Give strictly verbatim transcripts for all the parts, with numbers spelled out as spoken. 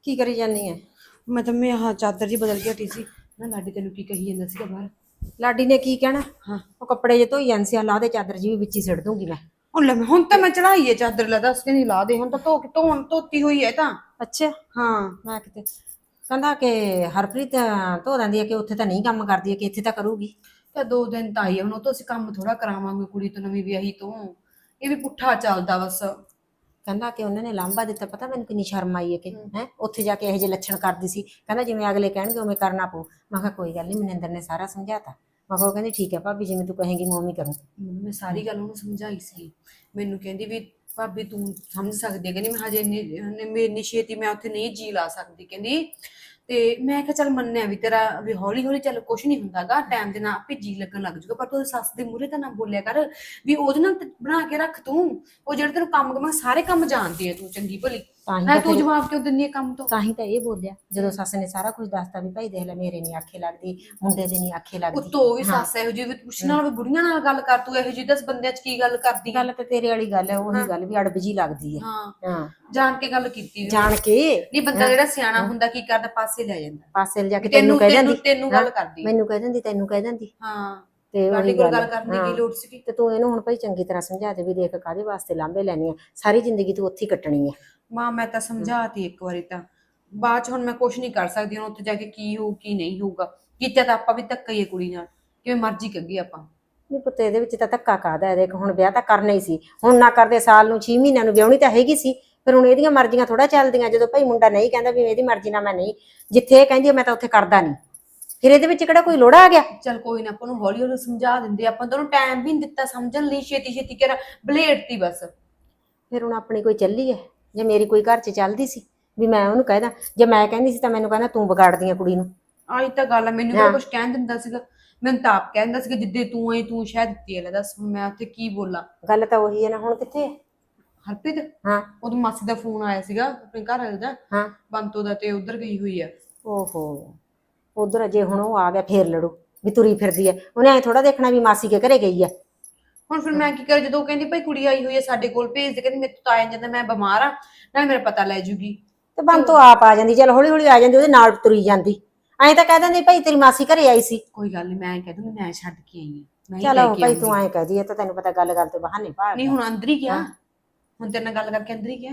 ਕੀ ਕਰੀ ਜਾਨੀ ਹੈ? ਮੈਂ ਤਾਂ ਮੈਂ ਆਹ ਚਾਦਰ ਜੀ ਬਦਲ ਕੇ ਹਟੀ ਸੀ ਨਾ। ਲਾਡੀ ਤੈਨੂੰ ਕੀ ਕਹੀ ਜਾਂਦਾ ਸੀਗਾ ਬਾਹਰ? ਲਾਡੀ ਨੇ ਕੀ ਕਹਿਣਾ? ਹਾਂ, ਉਹ ਕੱਪੜੇ ਜੇ ਧੋਈ ਜਾਂਦੇ ਸੀ, ਆ ਲਾ ਦੇ ਚਾਦਰ ਜੀ ਵੀ ਵਿੱਚ ਹੀ ਸਿੱਟ ਦੂੰਗੀ ਮੈਂ। ਹੁਣ ਲੈ ਹੁਣ ਤਾਂ ਮੈਂ ਚੜਾਈ ਹੈ ਚਾਦਰ, ਲਾ ਦੱਸ ਕੇ ਨਹੀਂ ਲਾ ਦੇ। ਹੁਣ ਤਾਂ ਧੋ ਕੇ ਧੋਣ ਧੋਤੀ ਹੋਈ ਹੈ ਤਾਂ। ਅੱਛਾ, ਹਾਂ, ਮੈਂ ਕਿਤੇ ਕਹਿੰਦਾ ਕਿ ਹਰਪ੍ਰੀਤ ਧੋ ਦਿੰਦੀ ਹੈ, ਕਿ ਉੱਥੇ ਤਾਂ ਨਹੀਂ ਕੰਮ ਕਰਦੀ ਹੈ, ਕਿ ਇੱਥੇ ਤਾਂ ਕਰੂਗੀ। ਤਾਂ ਦੋ ਦਿਨ ਤਾਂ ਆਈ ਆ, ਹੁਣ ਉਹ ਤੋਂ ਅਸੀਂ ਕੰਮ ਥੋੜਾ ਕਰਾਵਾਂਗੇ ਕੁੜੀ ਤੋਂ ਨਵੀਂ ਵਿਆਹੀ ਤੋਂ। ਇਹ ਵੀ ਪੁੱਠਾ ਚੱਲਦਾ ਬਸ। ਕਹਿੰਦਾ ਕਿ ਉਹਨਾਂ ਨੇ ਲਾਂਭਾ ਦਿੱਤਾ, ਪਤਾ ਮੈਨੂੰ ਕਿੰਨੀ ਸ਼ਰਮ ਆਈ ਹੈ ਕਿ ਹੈ ਉੱਥੇ ਜਾ ਕੇ ਇਹੋ ਜਿਹੇ ਲੱਛਣ ਕਰਦੀ ਸੀ। ਕਹਿੰਦਾ ਜਿਵੇਂ ਅਗਲੇ ਕਹਿਣਗੇ ਉਵੇਂ ਕਰਨਾ ਪਊ। ਮੈਂ ਕਿਹਾ ਕੋਈ ਗੱਲ ਨਹੀਂ, ਮਨਿੰਦਰ ਨੇ ਸਾਰਾ ਸਮਝਾਤਾ। ਮੈਂ ਕਿਹਾ ਉਹ ਕਹਿੰਦੀ ਠੀਕ ਹੈ ਭਾਬੀ, ਜਿਵੇਂ ਤੂੰ ਕਹੇਂਗੀ ਮੈਂ ਉਵੇਂ ਕਰੂੰ। ਮੈਂ ਸਾਰੀ ਗੱਲ ਉਹਨੂੰ ਸਮਝਾਈ ਸੀ। ਮੈਨੂੰ ਕਹਿੰਦੀ ਵੀ ਭਾਬੀ ਤੂੰ ਸਮਝ ਸਕਦੀ ਹੈ, ਕਹਿੰਦੀ ਮੈਂ ਹਜੇ ਇੰਨੀ ਇੰਨੀ ਛੇਤੀ ਮੈਂ ਉੱਥੇ ਨਹੀਂ ਜੀ ਲਾ ਸਕਦੀ ਕਹਿੰਦੀ। ਤੇ ਮੈਂ ਕਿਹਾ ਚੱਲ ਮੰਨਿਆ ਵੀ ਤੇਰਾ ਵੀ ਹੌਲੀ ਹੌਲੀ ਚੱਲ ਕੁਛ ਨਹੀਂ ਹੁੰਦਾਗਾ, ਟਾਈਮ ਦੇ ਨਾਲ ਆਪੇ ਜੀ ਲੱਗਣ ਲੱਗ ਜੂਗਾ। ਪਰ ਤੂੰ ਉਹਦੀ ਸੱਸ ਦੇ ਮੂਹਰੇ ਤਾਂ ਨਾ ਬੋਲਿਆ ਕਰ ਵੀ ਉਹਦੇ ਨਾਲ ਤੇ ਬਣਾ ਕੇ ਰੱਖ ਤੂੰ। ਉਹ ਜਿਹੜੇ ਤੈਨੂੰ ਕੰਮ ਕਮਾ ਸਾਰੇ ਕੰਮ ਜਾਣਦੀ ਹੈ ਤੂੰ, ਚੰਗੀ ਭਲੀ। ਤਾਂ ਹੀ ਨਾ ਤਾਂ ਤੂੰ ਫਿਰ ਜਵਾਬ ਕਿਉਂ ਦਿੰਦੀ ਹੈ ਕੰਮ ਤੋਂ? ਤਾਂ ਹੀ ਤਾਂ ਇਹ ਬੋਲਿਆ ਜਦੋਂ ਸੱਸ ਨੇ ਸਾਰਾ ਕੁਝ ਦੱਸਤਾ ਵੀ ਭਾਈ ਦੇਖ ਲੈ, ਮੇਰੇ ਨਹੀਂ ਆਖੇ ਲੱਗਦੀ, ਮੁੰਡੇ ਦੇ ਨਹੀਂ ਆਖੇ ਲੱਗਦੀ। ਉੱਤੋਂ ਉਹ ਵੀ ਸੱਸ ਇਹੋ ਜਿਹੀ ਵੀ ਪੁੱਛਣ ਨਾਲ ਵੀ ਬੁੜੀਆਂ ਨਾਲ ਗੱਲ ਕਰ, ਤੂੰ ਇਹੋ ਜਿਹੀ ਦਸ ਬੰਦਿਆਂ ਚ ਕੀ ਗੱਲ ਕਰਦੀ ਹੈ? ਗੱਲ ਤੇ ਤੇਰੇ ਵਾਲੀ ਗੱਲ ਹੈ, ਉਹੀ ਗੱਲ ਵੀ ਅੜਬ ਜੀ ਲੱਗਦੀ ਹੈ। ਹਾਂ, ਹਾਂ, ਜਾਣ ਕੇ ਗੱਲ ਕੀਤੀ ਜਾਣ ਕੇ ਨਹੀਂ। ਬੰਦਾ ਜਿਹੜਾ ਸਿਆਣਾ ਹੁੰਦਾ ਕੀ ਕਰਦਾ, ਪਾਸੇ ਲੈ ਜਾਂਦਾ। ਪਾਸੇ ਲਿਜਾ ਕੇ ਤੈਨੂੰ ਤੈਨੂੰ ਕਹਿ ਤੈਨੂੰ ਦਿੰਦੀ, ਤੈਨੂੰ ਗੱਲ ਕਰਦੀ ਮੈਨੂੰ ਕਹਿ ਦਿੰਦੀ, ਤੈਨੂੰ ਕਹਿ ਦਿੰਦੀ। ਹਾਂ, ਤੇ ਲਾਡੀ ਉਹੀ ਕੋਲ ਗੱਲ ਗੱਲ ਕਰਨ ਦੀ ਹਾਂ। ਕੀ ਲੋੜ ਸੀਗੀ? ਤੇ ਤੂੰ ਇਹਨੂੰ ਹੁਣ ਭਾਈ ਚੰਗੀ ਤਰ੍ਹਾਂ ਸਮਝਾ ਦੇ ਵੀ ਦੇਖ ਕਾਹਦੇ ਵਾਸਤੇ ਲਾਂਭੇ ਲੈਣੀ ਆ, ਸਾਰੀ ਜ਼ਿੰਦਗੀ ਤੂੰ ਉੱਥੇ ਹੀ ਕੱਟਣੀ ਹੈ। ਮਾਂ ਮੈਂ ਤਾਂ ਸਮਝਾਤੀ ਇੱਕ ਵਾਰੀ ਤਾਂ, ਬਾਅਦ ਚ ਹੁਣ ਮੈਂ ਕੁਛ ਨਹੀਂ ਕਰ ਸਕਦੀ। ਹੁਣ ਉੱਥੇ ਜਾ ਕੇ ਕੀ ਹੋਊ ਕੀ ਨਹੀਂ ਹੋਊਗਾ, ਕੀਤਾ ਤਾਂ ਆਪਾਂ ਵੀ ਧੱਕਾ ਹੀ ਹੈ ਕੁੜੀ ਨਾਲ, ਕਿਵੇਂ ਮਰਜ਼ੀ ਕੱਢੀ ਆਪਾਂ। ਨਹੀਂ ਪੁੱਤ, ਇਹਦੇ ਵਿੱਚ ਤਾਂ ਧੱਕਾ ਕਾਹਦਾ ਹੈ? ਦੇਖ ਹੁਣ ਵਿਆਹ ਤਾਂ ਕਰਨਾ ਹੀ ਸੀ, ਹੁਣ ਨਾ ਕਰਦੇ ਸਾਲ ਨੂੰ ਛੇ ਮਹੀਨਿਆਂ ਨੂੰ ਵਿਆਹਣੀ ਤਾਂ ਹੈਗੀ ਸੀ। ਫਿਰ ਹੁਣ ਇਹਦੀਆਂ ਮਰਜ਼ੀਆਂ ਥੋੜਾ ਚੱਲਦੀਆਂ। ਜਦੋਂ ਭਾਈ ਮੁੰਡਾ ਨਹੀਂ ਕਹਿੰਦਾ ਵੀ ਇਹਦੀ ਮਰਜ਼ੀ ਨਾਲ ਮੈਂ ਨਹੀਂ, ਜਿੱਥੇ ਇਹ ਕਹਿੰਦੀ ਮੈਂ ਤਾਂ ਉੱਥੇ ਕਰਦਾ ਨਹੀਂ, ਫਿਰ ਇਹਦੇ ਵਿੱਚ ਕਿਹੜਾ ਕੋਈ ਲੋੜਾ ਆ ਗਿਆ? ਚੱਲ ਕੋਈ ਨਾ, ਆਪਾਂ ਨੂੰ ਹੌਲੀ ਹੌਲੀ ਸਮਝਾ ਦਿੰਦੇ। ਆਪਾਂ ਤਾਂ ਉਹਨੂੰ ਟਾਈਮ ਵੀ ਨਹੀਂ ਦਿੱਤਾ ਸਮਝਣ ਲਈ, ਛੇਤੀ ਛੇਤੀ ਕਰ ਬਲੇਡਤੀ ਬਸ। ਫਿਰ ਹੁਣ ਆਪਣੀ ਕੋਈ ਚੱਲੀ ਹੈ, ਜੇ ਮੇਰੀ ਕੋਈ ਘਰ 'ਚ ਚੱਲਦੀ ਸੀ ਵੀ ਮੈਂ ਉਹਨੂੰ ਕਹਿਦਾ? ਜੇ ਮੈਂ ਕਹਿੰਦੀ ਸੀ ਤਾਂ ਮੈਨੂੰ ਕਹਿੰਦਾ ਤੂੰ ਵਿਗਾੜਦੀ ਆ ਕੁੜੀ ਨੂੰ। ਆਹੀ ਤਾਂ ਗੱਲ ਆ, ਮੈਨੂੰ ਕਿਹੜਾ ਕੁਛ ਕਹਿਣ ਦਿੰਦਾ ਸੀਗਾ? ਮੈਨੂੰ ਤਾਂ ਆਪ ਕਹਿੰਦਾ ਸੀਗਾ ਜਿੱਦੇ ਤੂੰ ਆਈ ਤੂੰ ਸ਼ਾਇਦ ਦਿੱਤੀ ਹੈ। ਲੈ ਦੱਸ ਹੁਣ ਮੈਂ ਉੱਥੇ ਕੀ ਬੋਲਾਂ? ਗੱਲ ਤਾਂ ਉਹੀ ਹੈ ਨਾ, ਹੁਣ ਕਿੱਥੇ ਹੈ? ਹਰਪ੍ਰੀਤ, ਹਾਂ, ਉਹਦੀ ਮਾਸੀ ਦਾ ਫੋਨ ਆਇਆ ਸੀਗਾ ਆਪਣੇ ਘਰ ਵਾਲੇ ਦਾ, ਹਾਂ। ਬੰਤੋ ਦਾ, ਤੇ ਉਧਰ ਗਈ ਹੋਈ ਆ। ਓਹੋ, ਉਧਰ ਜੇ ਹੁਣ ਉਹ ਆ ਗਿਆ ਫੇਰ ਲੜੂ ਵੀ ਤੁਰੀ ਫਿਰਦੀ ਹੈ। ਉਹਨੇ ਐ ਥੋੜਾ ਦੇਖਣਾ ਵੀ ਮਾਸੀ ਕੇ ਘਰੇ ਗਈ ਹੈ। ਹੁਣ ਫਿਰ ਮੈਂ ਕੀ ਕਰਾਂ? ਜਦੋਂ ਉਹ ਕਹਿੰਦੀ ਭਾਈ ਕੁੜੀ ਆਈ ਹੋਈ ਹੈ ਸਾਡੇ ਕੋਲ, ਭੇਜ ਦੇ, ਕਹਿੰਦੀ ਮੇਰੇ ਤੋਂ ਤਾਂ ਆਇਆ ਜਾਂਦਾ, ਮੈਂ ਬਿਮਾਰ ਆ, ਨਾਲੇ ਮੇਰਾ ਪਤਾ ਲੈ ਜੂਗੀ। ਤੇ ਬੰਤੋ ਆਪ ਆ ਜਾਂਦੀ, ਚਲ ਹੌਲੀ ਹੌਲੀ ਆ ਜਾਂਦੀ, ਉਹਦੇ ਨਾਲ ਤੁਰੀ ਜਾਂਦੀ। ਐਂ ਤਾਂ ਕਹਿ ਦਿੰਦੀ ਭਾਈ ਤੇਰੀ ਮਾਸੀ ਘਰੇ ਆਈ ਸੀ। ਕੋਈ ਗੱਲ ਨਹੀਂ, ਮੈਂ ਕਹਿ ਦੂੰਗੀ ਮੈਂ ਛੱਡ ਕੇ ਆਈ ਹਾਂ, ਮੈਂ ਹੀ ਲੈ ਚਲੋ ਕੇ ਭਾਈ ਤੂੰ ਆਉਂਗੀ। ਐਂ ਕਹਦੀ ਹੈ ਤਾਂ ਤੈਨੂੰ ਪਤਾ ਗੱਲ ਗੱਲ ਤੇ ਬਹਾਨੇ ਭਾਲ। ਨਹੀਂ ਹੁਣ ਅੰਦਰ ਹੀ ਗਿਆ, ਹੁਣ ਤੇਰੇ ਨਾਲ ਗੱਲ ਕਰਕੇ ਅੰਦਰ ਹੀ ਗਿਆ।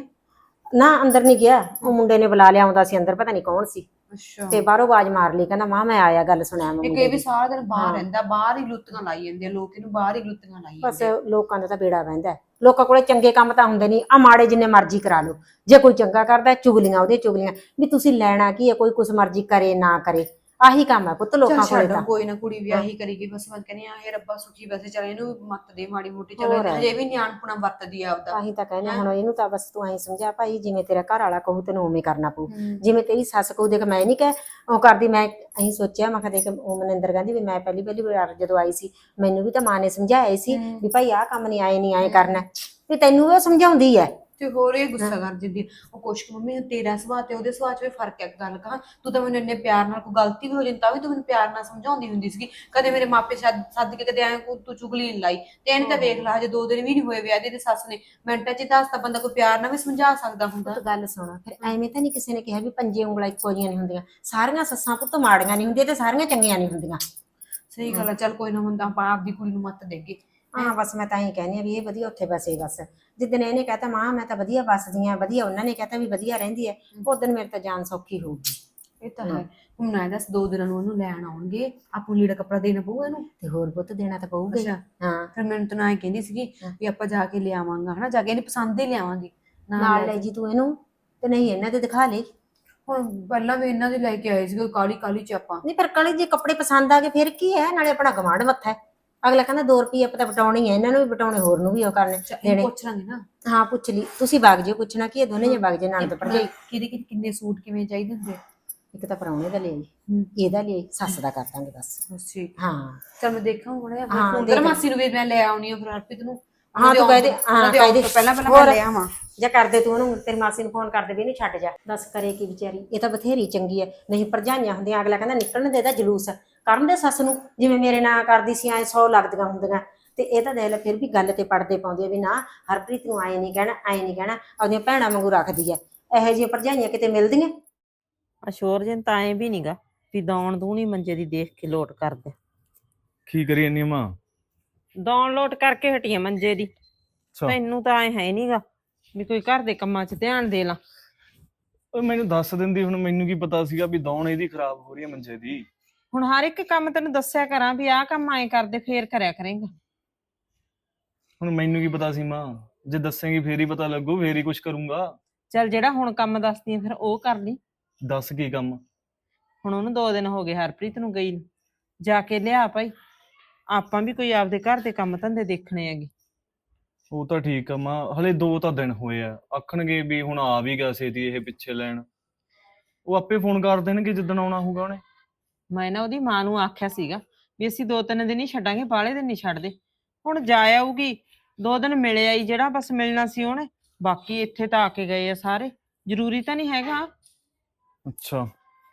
ਨਾ ਅੰਦਰ ਨਹੀਂ ਗਿਆ, ਉਹ ਮੁੰਡੇ ਨੇ ਬੁਲਾ ਲਿਆ ਆਉਂਦਾ ਸੀ ਅੰਦਰ, ਪਤਾ ਨਹੀਂ ਕੌਣ ਸੀ। ਅੱਛਾ, ਤੇ ਬਾਹਰੋਂ ਆਵਾਜ਼ ਮਾਰ ਲਈ, ਕਹਿੰਦਾ ਮਾਂ ਮੈਂ ਆਇਆ, ਗੱਲ ਸੁਣਿਆ ਮੈਂ ਇੱਕ ਮੁੰਡੇ ਇਹ ਵੀ ਦੀ। ਸਾਰਾ ਦਿਨ ਬਾਹਰ ਰਹਿੰਦਾ, ਬਾਹਰ ਹੀ ਲੁੱਤੀਆਂ ਲਾਈ ਜਾਂਦੇ ਆ ਲੋਕ, ਇਹਨੂੰ ਬਾਹਰ ਹੀ ਲੁੱਤੀਆਂ ਲਾਈ ਬਸ ਜਾਂਦੇ। ਲੋਕਾਂ ਦਾ ਤਾਂ ਬੇੜਾ ਬਹਿੰਦਾ, ਲੋਕਾਂ ਕੋਲੇ ਚੰਗੇ ਕੰਮ ਤਾਂ ਹੁੰਦੇ ਨਹੀਂ, ਆ ਮਾੜੇ ਜਿੰਨੇ ਮਰਜ਼ੀ ਕਰਾ ਲਓ। ਜੇ ਕੋਈ ਚੰਗਾ ਕਰਦਾ ਚੁਗਲੀਆਂ ਉਹਦੀਆਂ ਚੁਗਲੀਆਂ, ਵੀ ਤੁਸੀਂ ਲੈਣਾ ਕੀ ਹੈ, ਕੋਈ ਕੁਛ ਮਰਜ਼ੀ ਕਰੇ ਨਾ ਕਰੇ, ਆਹੀ ਕੰਮ ਹੈ ਪੁੱਤ ਲੋਕਾਂ ਕੋਲੇ ਤਾਂ। ਕੋਈ ਨਾ, ਕੁੜੀ ਵਿਆਹੀ ਕਰੇਗੀ ਬਸ। ਮੈਂ ਕਹਿੰਦੀ ਆ ਇਹ ਰੱਬਾ ਸੁਖੀ ਵੈਸੇ ਚੱਲ, ਇਹਨੂੰ ਮੱਤ ਦੇ ਮਾੜੀ ਮੋਟੀ, ਚਲੋ ਹਜੇ ਵੀ ਨਿਆਣਪੁਣਾ ਵਰਤਦੀ ਆ ਆਪਦਾ। ਤਾਂ ਹੀ ਤਾਂ ਕਹਿੰਦੇ ਹੁਣ ਇਹਨੂੰ ਤਾਂ ਬਸ ਤੂੰ ਐਂ ਸਮਝਾ ਭਾਈ, ਜਿਵੇਂ ਤੇਰਾ ਘਰ ਵਾਲਾ ਕਹੂ ਤੈਨੂੰ ਉਵੇਂ ਕਰਨਾ ਪਊ, ਜਿਵੇਂ ਤੇਰੀ ਸੱਸ ਕਹੂ। ਦੇਖ ਮੈਂ ਨਹੀਂ ਕਹਿ ਉਹ ਕਰਦੀ, ਮੈਂ ਅਹੀਂ ਸੋਚਿਆ, ਮੈਂ ਕਿਹਾ ਦੇਖ ਉਹ ਮਨਿੰਦਰ ਕਹਿੰਦੀ ਵੀ ਮੈਂ ਪਹਿਲੀ ਪਹਿਲੀ ਵਾਰ ਜਦੋਂ ਆਈ ਸੀ ਮੈਨੂੰ ਵੀ ਤਾਂ ਮਾਂ ਨੇ ਸਮਝਾਇਆ ਸੀ ਵੀ ਭਾਈ ਆਹ ਕੰਮ ਨਹੀਂ, ਆਏ ਨਹੀਂ ਆਏ ਕਰਨਾ, ਵੀ ਤੈਨੂੰ ਉਹ ਸਮਝਾਉਂਦੀ ਹੈ। ਤੇ ਹੋਰ ਇਹ ਗੁੱਸਾ ਕਰ ਦਿੰਦੀ ਉਹ ਕੁਛ ਕੁ। ਮੰਮੀ ਤੇਰਾ ਸੁਭਾਅ ਤੇ ਉਹਦੇ ਸੁਭਾਅ 'ਚ ਵੀ ਫਰਕ ਹੈ। ਗੱਲ ਕਹਾਂ, ਤੂੰ ਤਾਂ ਮੈਨੂੰ ਇੰਨੇ ਪਿਆਰ ਨਾਲ, ਕੋਈ ਗਲਤੀ ਵੀ ਹੋ ਜਾਂਦੀ ਤਾਂ ਵੀ ਤੂੰ ਮੈਨੂੰ ਪਿਆਰ ਨਾਲ ਸਮਝਾਉਂਦੀ ਹੁੰਦੀ ਸੀਗੀ। ਕਦੇ ਮੇਰੇ ਮਾਪੇ ਸੱਦ ਸੱਦ ਕੇ ਕਦੇ ਐਂ ਤੂੰ ਚੁਗਲੀ ਨਹੀਂ ਲਾਈ। ਤੇ ਇਹਨੇ ਤਾਂ ਵੇਖ ਲਾ, ਹਜੇ ਦੋ ਦਿਨ ਵੀ ਨਹੀਂ ਹੋਏ ਵਿਆਹ ਦੇ, ਤੇ ਸੱਸ ਨੇ ਮਿੰਟਾਂ 'ਚ ਹੀ ਦੱਸਤਾ। ਬੰਦਾ ਕੋਈ ਪਿਆਰ ਨਾਲ ਵੀ ਸਮਝਾ ਸਕਦਾ ਹੁੰਦਾ। ਗੱਲ ਸੁਣਾ, ਫਿਰ ਐਵੇਂ ਤਾਂ ਨਹੀਂ ਕਿਸੇ ਨੇ ਕਿਹਾ ਵੀ ਪੰਜੇ ਉਂਗਲਾਂ ਇੱਕੋ ਜਿਹੀਆਂ ਨਹੀਂ ਹੁੰਦੀਆਂ, ਸਾਰੀਆਂ ਸੱਸਾਂ ਪੁੱਤ ਮਾੜੀਆਂ ਨਹੀਂ ਹੁੰਦੀਆਂ ਤੇ ਸਾਰੀਆਂ ਚੰਗੀਆਂ ਨਹੀਂ ਹੁੰਦੀਆਂ। ਸਹੀ ਗੱਲ ਆ, ਚੱਲ ਕੋਈ ਨਾ, ਹੁੰਦਾ ਆਪਾਂ ਆਪਦੀ ਕੁੜੀ ਨੂੰ ਮੱਤ ਦੇਗੇ। ਹਾਂ ਬਸ ਮੈਂ ਤਾਂ ਹੀ ਕਹਿੰਦੀ ਆ ਵੀ ਇਹ ਵਧੀਆ ਉੱਥੇ ਬਸੇ। ਬਸ ਜਿੱਦਣ ਇਹਨੇ ਕਹਤਾ ਮਾਂ ਮੈਂ ਤਾਂ ਵਧੀਆ ਬਸਦੀ ਆ, ਵਧੀਆ ਉਹਨਾਂ ਨੇ ਕਹਤਾ ਵੀ ਵਧੀਆ ਰਹਿੰਦੀ ਹੈ, ਉਦੋਂ ਮੇਰੇ ਤਾਂ ਜਾਨ ਸੌਖੀ ਹੋਊਗੀ। ਇਹ ਤਾਂ ਹੈ। ਹੁਣ ਨਾ ਦੱਸ, ਦੋ ਦਿਨਾਂ ਨੂੰ ਉਹਨੂੰ ਲੈਣ ਆਉਣਗੇ, ਆਪਾਂ ਲੀੜਾ ਕੱਪੜਾ ਦੇਣਾ ਪਊਗਾ ਇਹਨੂੰ। ਤੇ ਹੋਰ ਪੁੱਤ ਦੇਣਾ ਤਾਂ ਪਊਗਾ ਹੀ। ਹਾਂ ਫਿਰ ਮੈਨੂੰ ਤਾਂ ਨਾ ਕਹਿੰਦੀ ਸੀਗੀ ਵੀ ਆਪਾਂ ਜਾ ਕੇ ਲਿਆਵਾਂਗਾ, ਹਨਾ, ਜਾ ਕੇ ਇਹਨੇ ਪਸੰਦ ਹੀ ਲਿਆਵਾਂਗੇ। ਨਾਲ ਲੈ ਜੀ ਤੂੰ ਇਹਨੂੰ, ਤੇ ਨਹੀਂ ਇਹਨਾਂ ਦੇ ਦਿਖਾ ਲਈ। ਹੁਣ ਪਹਿਲਾਂ ਵੀ ਇਹਨਾਂ ਦੇ ਲੈ ਕੇ ਆਏ ਸੀਗੇ ਕਾਲੀ ਕਾਲੀ ਚ ਆਪਾਂ। ਨਹੀਂ ਪਰ ਕਾਲੀ ਜੇ ਕੱਪੜੇ ਪਸੰਦ ਆ ਗਏ ਫਿਰ ਕੀ ਹੈ, ਨਾਲੇ ਆਪਣਾ ਗਵਾਂਢ ਮੱਥਾ ਹੈ। ਅਗਲਾ ਕਹਿੰਦਾ ਦੋ ਰੁਪਏ ਆਪਾਂ ਤਾਂ ਬਟਾਉਣੀ ਹੈ, ਇਹਨਾਂ ਨੂੰ ਵੀ ਬਟਾਉਣੇ, ਹੋਰ ਨੂੰ ਵੀ ਉਹ ਕਰਨੇ ਦੇਣੇ। ਪੁੱਛ ਲਾਂਗੇ ਨਾ। ਹਾਂ ਪੁੱਛ ਲਈ, ਤੁਸੀਂ ਵਗ ਜਿਓ, ਪੁੱਛਣਾ ਕੀ ਹੈ, ਦੋਨੇ ਜੇ ਵਗ ਜੇ ਨਣਦ ਭਰਜਾਈ। ਕਿਹਦੇ ਕਿੰਨੇ ਸੂਟ ਕਿਵੇਂ ਚਾਹੀਦੇ ਹੁੰਦੇ? ਇੱਕ ਤਾਂ ਪ੍ਰਾਹੁਣੇ ਦਾ ਲਿਆਈ, ਇਹਦਾ ਲਿਆਈ, ਸੱਸ ਦਾ ਕਰ ਦਾਂਗੇ ਬਸ। ਠੀਕ ਹਾਂ ਚਲ ਮੈਂ ਦੇਖਾਂ ਹੁਣ, ਹਾਂ ਫੋਨ ਕਰ ਮਾਸੀ ਨੂੰ ਵੀ ਮੈਂ ਲੈ ਆਉਣੀ ਆ ਫਿਰ ਹਰਪ੍ਰੀਤ ਨੂੰ। ਹਾਂ ਤੂੰ ਕਹਦੇ, ਹਾਂ ਕਹਦੇ ਪਹਿਲਾਂ ਪਹਿਲਾਂ ਮੈਂ ਲੈ ਆਵਾਂ ਜਾਂ ਕਰਦੇ ਤੂੰ ਉਹਨੂੰ, ਤੇਰੀ ਮਾਸੀ ਨੂੰ ਫੋਨ ਕਰਦੇ ਵੀ ਇਹਨੂੰ ਛੱਡ ਜਾ। ਦੱਸ ਕਰੇ ਕੀ ਵਿਚਾਰੀ, ਇਹ ਤਾਂ ਬਥੇਰੀ ਚੰਗੀ ਹੈ। ਨਹੀਂ ਭਰਜਾਈਆਂ ਹੁੰਦੀਆਂ, ਅਗਲਾ ਕਹਿੰਦਾ ਨਿਕਲਣ ਦੇ ਇਹਦਾ ਜਲੂਸ, ਕਰਨ ਦੇ ਸੱਸ ਨੂੰ, ਜਿਵੇਂ ਮੇਰੇ ਨਾਲ ਕਰਦੀ ਸੀ ਐ ਸੌ ਲੱਗਦੀਆਂ ਹੁੰਦੀਆਂ। ਤੇ ਇਹ ਤਾਂ ਦੇਖ ਲੈ ਫਿਰ ਵੀ ਗੱਲ ਤੇ ਪੜਦੇ ਪਾਉਂਦੀ ਆ ਵੀ ਨਾ ਹਰਪ੍ਰੀਤ ਨੂੰ ਆਏ ਨਹੀਂ ਕਹਿਣਾ, ਆਏ ਨਹੀਂ ਕਹਿਣਾ, ਆਪਦੀਆਂ ਭੈਣਾਂ ਵਾਂਗੂ ਰੱਖਦੀ ਹੈ। ਇਹੋ ਜਿਹੀਆਂ ਭਰਜਾਈਆਂ ਕਿਤੇ ਮਿਲਦੀਆਂ? ਅਸ਼ੋਰ ਜਨ ਤਾਂ ਐ ਵੀ ਨੀਗਾ ਵੀ ਦੌਣ ਦੂਣੀ ਮੰਜੇ ਦੀ ਦੇਖ ਕੇ ਲੋਟ ਕਰਦੇ। ਕੀ ਕਰੀ ਇੰਨੀ ਮਾਂ? ਦੌਣ ਲੋਟ ਕਰਕੇ ਹਟੀਆਂ ਮੰਜੇ ਦੀ। ਅੱਛਾ, ਤੈਨੂੰ ਤਾਂ ਐ ਹੈ ਨਹੀਂਗਾ ਵੀ ਕੋਈ ਘਰ ਦੇ ਕੰਮਾਂ 'ਚ ਧਿਆਨ ਦੇ ਲਾਂ। ਓਏ ਮੈਨੂੰ ਦੱਸ ਦਿੰਦੀ, ਹੁਣ ਮੈਨੂੰ ਕੀ ਪਤਾ ਸੀਗਾ ਵੀ ਦੌਣ ਇਹਦੀ ਖਰਾਬ ਹੋ ਰਹੀ ਹੈ ਮੰਜੇ ਦੀ। ਹੁਣ ਹਰ ਇੱਕ ਕੰਮ ਤੈਨੂੰ ਦੱਸਿਆ ਕਰਾਂ ਵੀ ਆਹ ਕੰਮ ਐਂ ਕਰਦੇ ਫੇਰ ਕਰਿਆ ਕਰੇਂਗਾ। ਹੁਣ ਮੈਨੂੰ ਕੀ ਪਤਾ ਸੀ ਮਾਂ, ਜੇ ਦੱਸੇਂਗੀ ਫੇਰ ਹੀ ਪਤਾ ਲੱਗੂ, ਫੇਰ ਹੀ ਕੁਝ ਕਰੂੰਗਾ। ਚੱਲ ਜਿਹੜਾ ਹੁਣ ਕੰਮ ਦੱਸਦੀ ਆ ਫਿਰ ਉਹ ਕਰ ਲਈ। ਦੱਸ ਕੀ ਕੰਮ? ਹੁਣ ਉਹਨੂੰ ਦੋ ਦਿਨ ਹੋ ਗਏ ਹਰਪ੍ਰੀਤ ਨੂੰ ਗਈ ਨੂੰ, ਜਾ ਕੇ ਲਿਆ ਭਾਈ। ਆਪਾਂ ਵੀ ਕੋਈ ਆਪਦੇ ਘਰ ਦੇ ਕੰਮ ਧੰਦੇ ਦੇਖਣੇ ਹੈਗੇ। ਉਹ ਤਾਂ ਠੀਕ ਆ ਮਾਂ, ਹਲੇ ਦੋ ਤਾਂ ਦਿਨ ਹੋਏ ਆ, ਆਖਣਗੇ ਵੀ ਹੁਣ ਆ ਵੀ ਗਿਆ ਛੇਤੀ ਇਹ ਪਿੱਛੇ ਲੈਣ। ਉਹ ਆਪੇ ਫੋਨ ਕਰ ਦੇਣਗੇ ਜਿੱਦਣ ਆਉਣਾ ਹੋਊਗਾ ਉਹਨੇ। ਮੈਂ ਨਾ ਉਹਦੀ ਮਾਂ ਨੂੰ ਆਖਿਆ ਸੀਗਾ ਵੀ ਅਸੀਂ ਦੋ ਤਿੰਨ ਦਿਨ ਹੀ ਛੱਡਾਂਗੇ, ਬਾਹਲੇ ਦਿਨ ਨਹੀਂ ਛੱਡਦੇ। ਹੁਣ ਜਾ ਆਊਗੀ, ਦੋ ਦਿਨ ਮਿਲ ਆਈ ਜਿਹੜਾ ਬਸ ਮਿਲਣਾ ਸੀ ਉਹਨੇ, ਬਾਕੀ ਇੱਥੇ ਤਾਂ ਆ ਕੇ ਗਏ ਆ ਸਾਰੇ, ਜ਼ਰੂਰੀ ਤਾਂ ਨਹੀਂ ਹੈਗਾ। ਅੱਛਾ,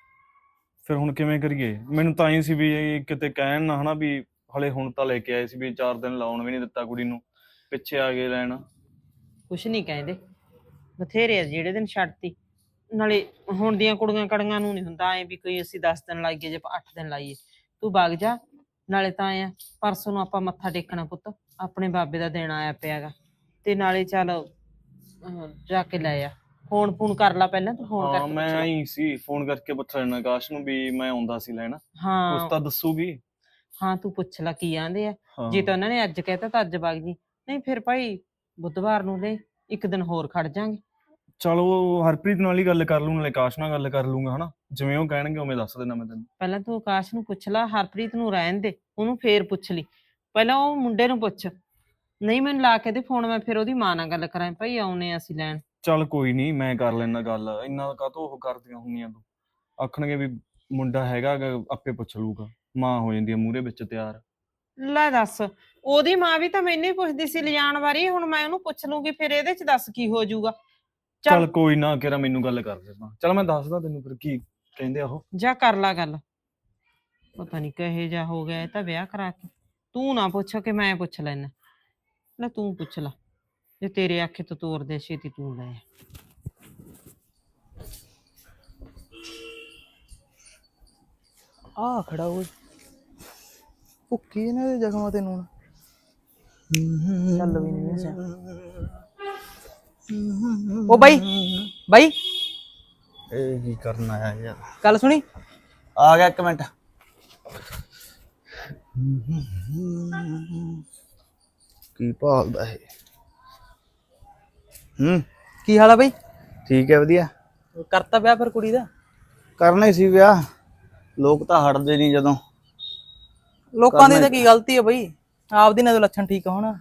ਫਿਰ ਹੁਣ ਕਿਵੇਂ ਕਰੀਏ? ਮੈਨੂੰ ਤਾਂ ਹੀ ਸੀ ਵੀ ਇਹ ਕਿਤੇ ਕਹਿਣ ਨਾ ਹਨਾ ਵੀ ਹਲੇ ਹੁਣ ਤਾਂ ਲੈ ਕੇ ਆਏ ਸੀ, ਵੀ ਚਾਰ ਦਿਨ ਲਾਉਣ ਵੀ ਨਹੀਂ ਦਿੱਤਾ ਕੁੜੀ ਨੂੰ, ਪਿੱਛੇ ਆ ਗਏ ਲੈਣ। ਕੁਛ ਨਹੀਂ ਕਹਿੰਦੇ, ਬਥੇਰੇ ਆ ਜਿਹੜੇ ਦਿਨ ਛੱਡਤੀ। ਨਾਲੇ ਹੁਣ ਦੀਆਂ ਕੁੜੀਆਂ ਕੜੀਆਂ ਨੂੰ ਨਹੀਂ ਹੁੰਦਾ ਐ ਵੀ ਕੋਈ ਅਸੀਂ ਦਸ ਦਿਨ ਲਾਈਏ ਜੇ ਅੱਠ ਦਿਨ ਲਾਈਏ। ਤੂੰ ਵਗ ਜਾ, ਨਾਲੇ ਤਾਂ ਐ ਪਰਸੋਂ ਨੂੰ ਆਪਾਂ ਮੱਥਾ ਟੇਕਣਾ ਪੁੱਤ, ਆਪਣੇ ਬਾਬੇ ਦਾ ਦਿਨ ਆਇਆ ਪਿਆਗਾ, ਤੇ ਨਾਲੇ ਚੱਲ ਅਹ, ਜਾ ਕੇ ਲੈ ਆ। ਫੋਨ ਫੋਨ ਕਰ ਲਾ ਪਹਿਲਾਂ ਤੂੰ, ਫੋਨ ਹਾਂ ਕਰਕੇ ਮੈਂ ਪੁੱਛ ਲਾ। ਆਈ ਸੀ ਫੋਨ ਕਰਕੇ ਪੁੱਛ ਲੈਣਾ ਆਕਾਸ਼ ਨੂੰ ਵੀ ਮੈਂ ਆਉਂਦਾ ਸੀ ਲੈਣ, ਕੁਛ ਹਾਂ ਤਾਂ ਦੱਸੂਗੀ। ਹਾਂ ਤੂੰ ਪੁੱਛ ਲੈ ਕੀ ਆਂਦੇ ਆ। ਹਾਂ ਜੇ ਤਾਂ ਉਹਨਾਂ ਨੇ ਅੱਜ ਕਹਿਤਾ ਤਾਂ ਅੱਜ ਵਗ ਜੀ, ਨਹੀਂ ਫਿਰ ਭਾਈ ਬੁੱਧਵਾਰ ਨੂੰ ਲੈ ਇੱਕ ਦਿਨ ਹੋਰ ਖੜ ਜਾਾਂਗੇ। ਚਲੋ ਹਰਪ੍ਰੀਤ ਨਾਲ ਹੀ ਗੱਲ ਕਰ ਲੂੰ, ਨਾਲੇ ਆਕਾਸ਼ ਨਾਲ ਗੱਲ ਕਰ ਲੂੰਗਾ ਹਨਾ, ਜਿਵੇਂ ਉਹ ਕਹਿਣਗੇ ਉਵੇਂ ਦੱਸ ਦੇਣਾ ਮੈਂ ਤੈਨੂੰ। ਪਹਿਲਾਂ ਤੂੰ ਆਕਾਸ਼ ਨੂੰ ਪੁੱਛ ਲਾ, ਹਰਪ੍ਰੀਤ ਨੂੰ ਰਹਿਣ ਦੇ, ਉਹਨੂੰ ਫੇਰ ਪੁੱਛ ਲਈ। ਪਹਿਲਾਂ ਉਹ ਮੁੰਡੇ ਨੂੰ ਪੁੱਛ, ਨਹੀਂ ਮੈਨੂੰ ਲਾ ਕੇ ਦੇ ਫੋਨ, ਮੈਂ ਫਿਰ ਉਹਦੀ ਮਾਂ ਨਾਲ ਗੱਲ ਕਰਾਂ ਭਾਈ ਆਉਨੇ ਅਸੀਂ ਲੈਣ। ਚੱਲ ਕੋਈ ਨਹੀਂ, ਮੈਂ ਕਰ ਲੈਣਾ ਗੱਲ, ਇੰਨਾ ਕਾਹਤੋਂ ਉਹ ਕਰਦੀਆਂ ਹੁੰਦੀਆਂ ਤੂੰ। ਆਖਣਗੇ ਵੀ ਮੁੰਡਾ ਹੈਗਾ ਗਾ, ਆਪੇ ਪੁੱਛ ਲੂਗਾ, ਮਾਂ ਹੋ ਜਾਂਦੀ ਹੈ ਮੂਹਰੇ ਵਿੱਚ ਤਿਆਰ। ਲੈ ਦੱਸ, ਉਹਦੀ ਮਾਂ ਵੀ ਤਾਂ ਮੈਨੂੰ ਹੀ ਪੁੱਛਦੀ ਸੀ ਲਿਜਾਣ ਵਾਰੀ, ਹੁਣ ਮੈਂ ਉਹਨੂੰ ਪੁੱਛ ਲੂੰਗੀ, ਫਿਰ ਇਹਦੇ ਚ ਦੱਸ ਕੀ ਹੋ ਜਾਊਗਾ। ਚੱਲ ਕੋਈ ਨਾ, ਕਿਹੜਾ ਮੈਨੂੰ ਗੱਲ ਕਰ ਦੇ ਮਾਂ, ਚੱਲ ਮੈਂ ਦੱਸਦਾ ਤੈਨੂੰ ਫਿਰ ਕੀ ਕਹਿੰਦੇ ਆ ਉਹ। ਜਾ ਕਰ ਲਾ ਗੱਲ, ਪਤਾ ਨਹੀਂ ਕਹੇ ਜਾ ਹੋ ਗਿਆ ਇਹ ਤਾਂ ਵਿਆਹ ਕਰਾ ਕੇ। ਤੂੰ ਨਾ ਪੁੱਛ ਕੇ ਮੈਂ ਪੁੱਛ ਲੈਣਾ, ਲੈ ਤੂੰ ਪੁੱਛ ਲਾ, ਜੇ ਤੇਰੇ ਆਖੇ ਤੋਂ ਤੋਰਦੇ ਛੇਤੀ ਤੂੰ ਲੈ। ਆ ਖੜਾ ਓਏ, ਭੁੱਕੀ ਇਹਨਾਂ ਦੇ ਜ਼ਖਮਾਂ ਤੇ ਨੂਣ ਚੱਲ ਵੀ ਨਹੀਂ ਵੈਸੇ। ਓ ਬਾਈ ਬਾਈ, ਇਹ ਕੀ ਕਰਨ ਆਇਆ ਯਾਰ? ਗੱਲ ਸੁਣੀ। ਆ ਗਿਆ ਇੱਕ ਮਿੰਟ। ਕੀ ਭਾਲਦਾ ਇਹ? ਹੂੰ ਕੀ ਹਾਲ ਆ ਬਾਈ? ਠੀਕ ਹੈ, ਵਧੀਆ। ਕਰਤਾ ਵਿਆਹ ਫਿਰ ਕੁੜੀ ਦਾ? ਕਰਨਾ ਹੀ ਸੀ ਵਿਆਹ, ਲੋਕ ਤਾਂ ਹਟਦੇ ਨਹੀਂ ਜਦੋਂ। ਲੋਕਾਂ ਦੀ ਤਾਂ ਕੀ ਗਲਤੀ ਹੈ ਬਾਈ, ਆਪਦੀ ਨਾ ਤਾਂ ਲੱਛਣ ਠੀਕ ਹੋਣਾ।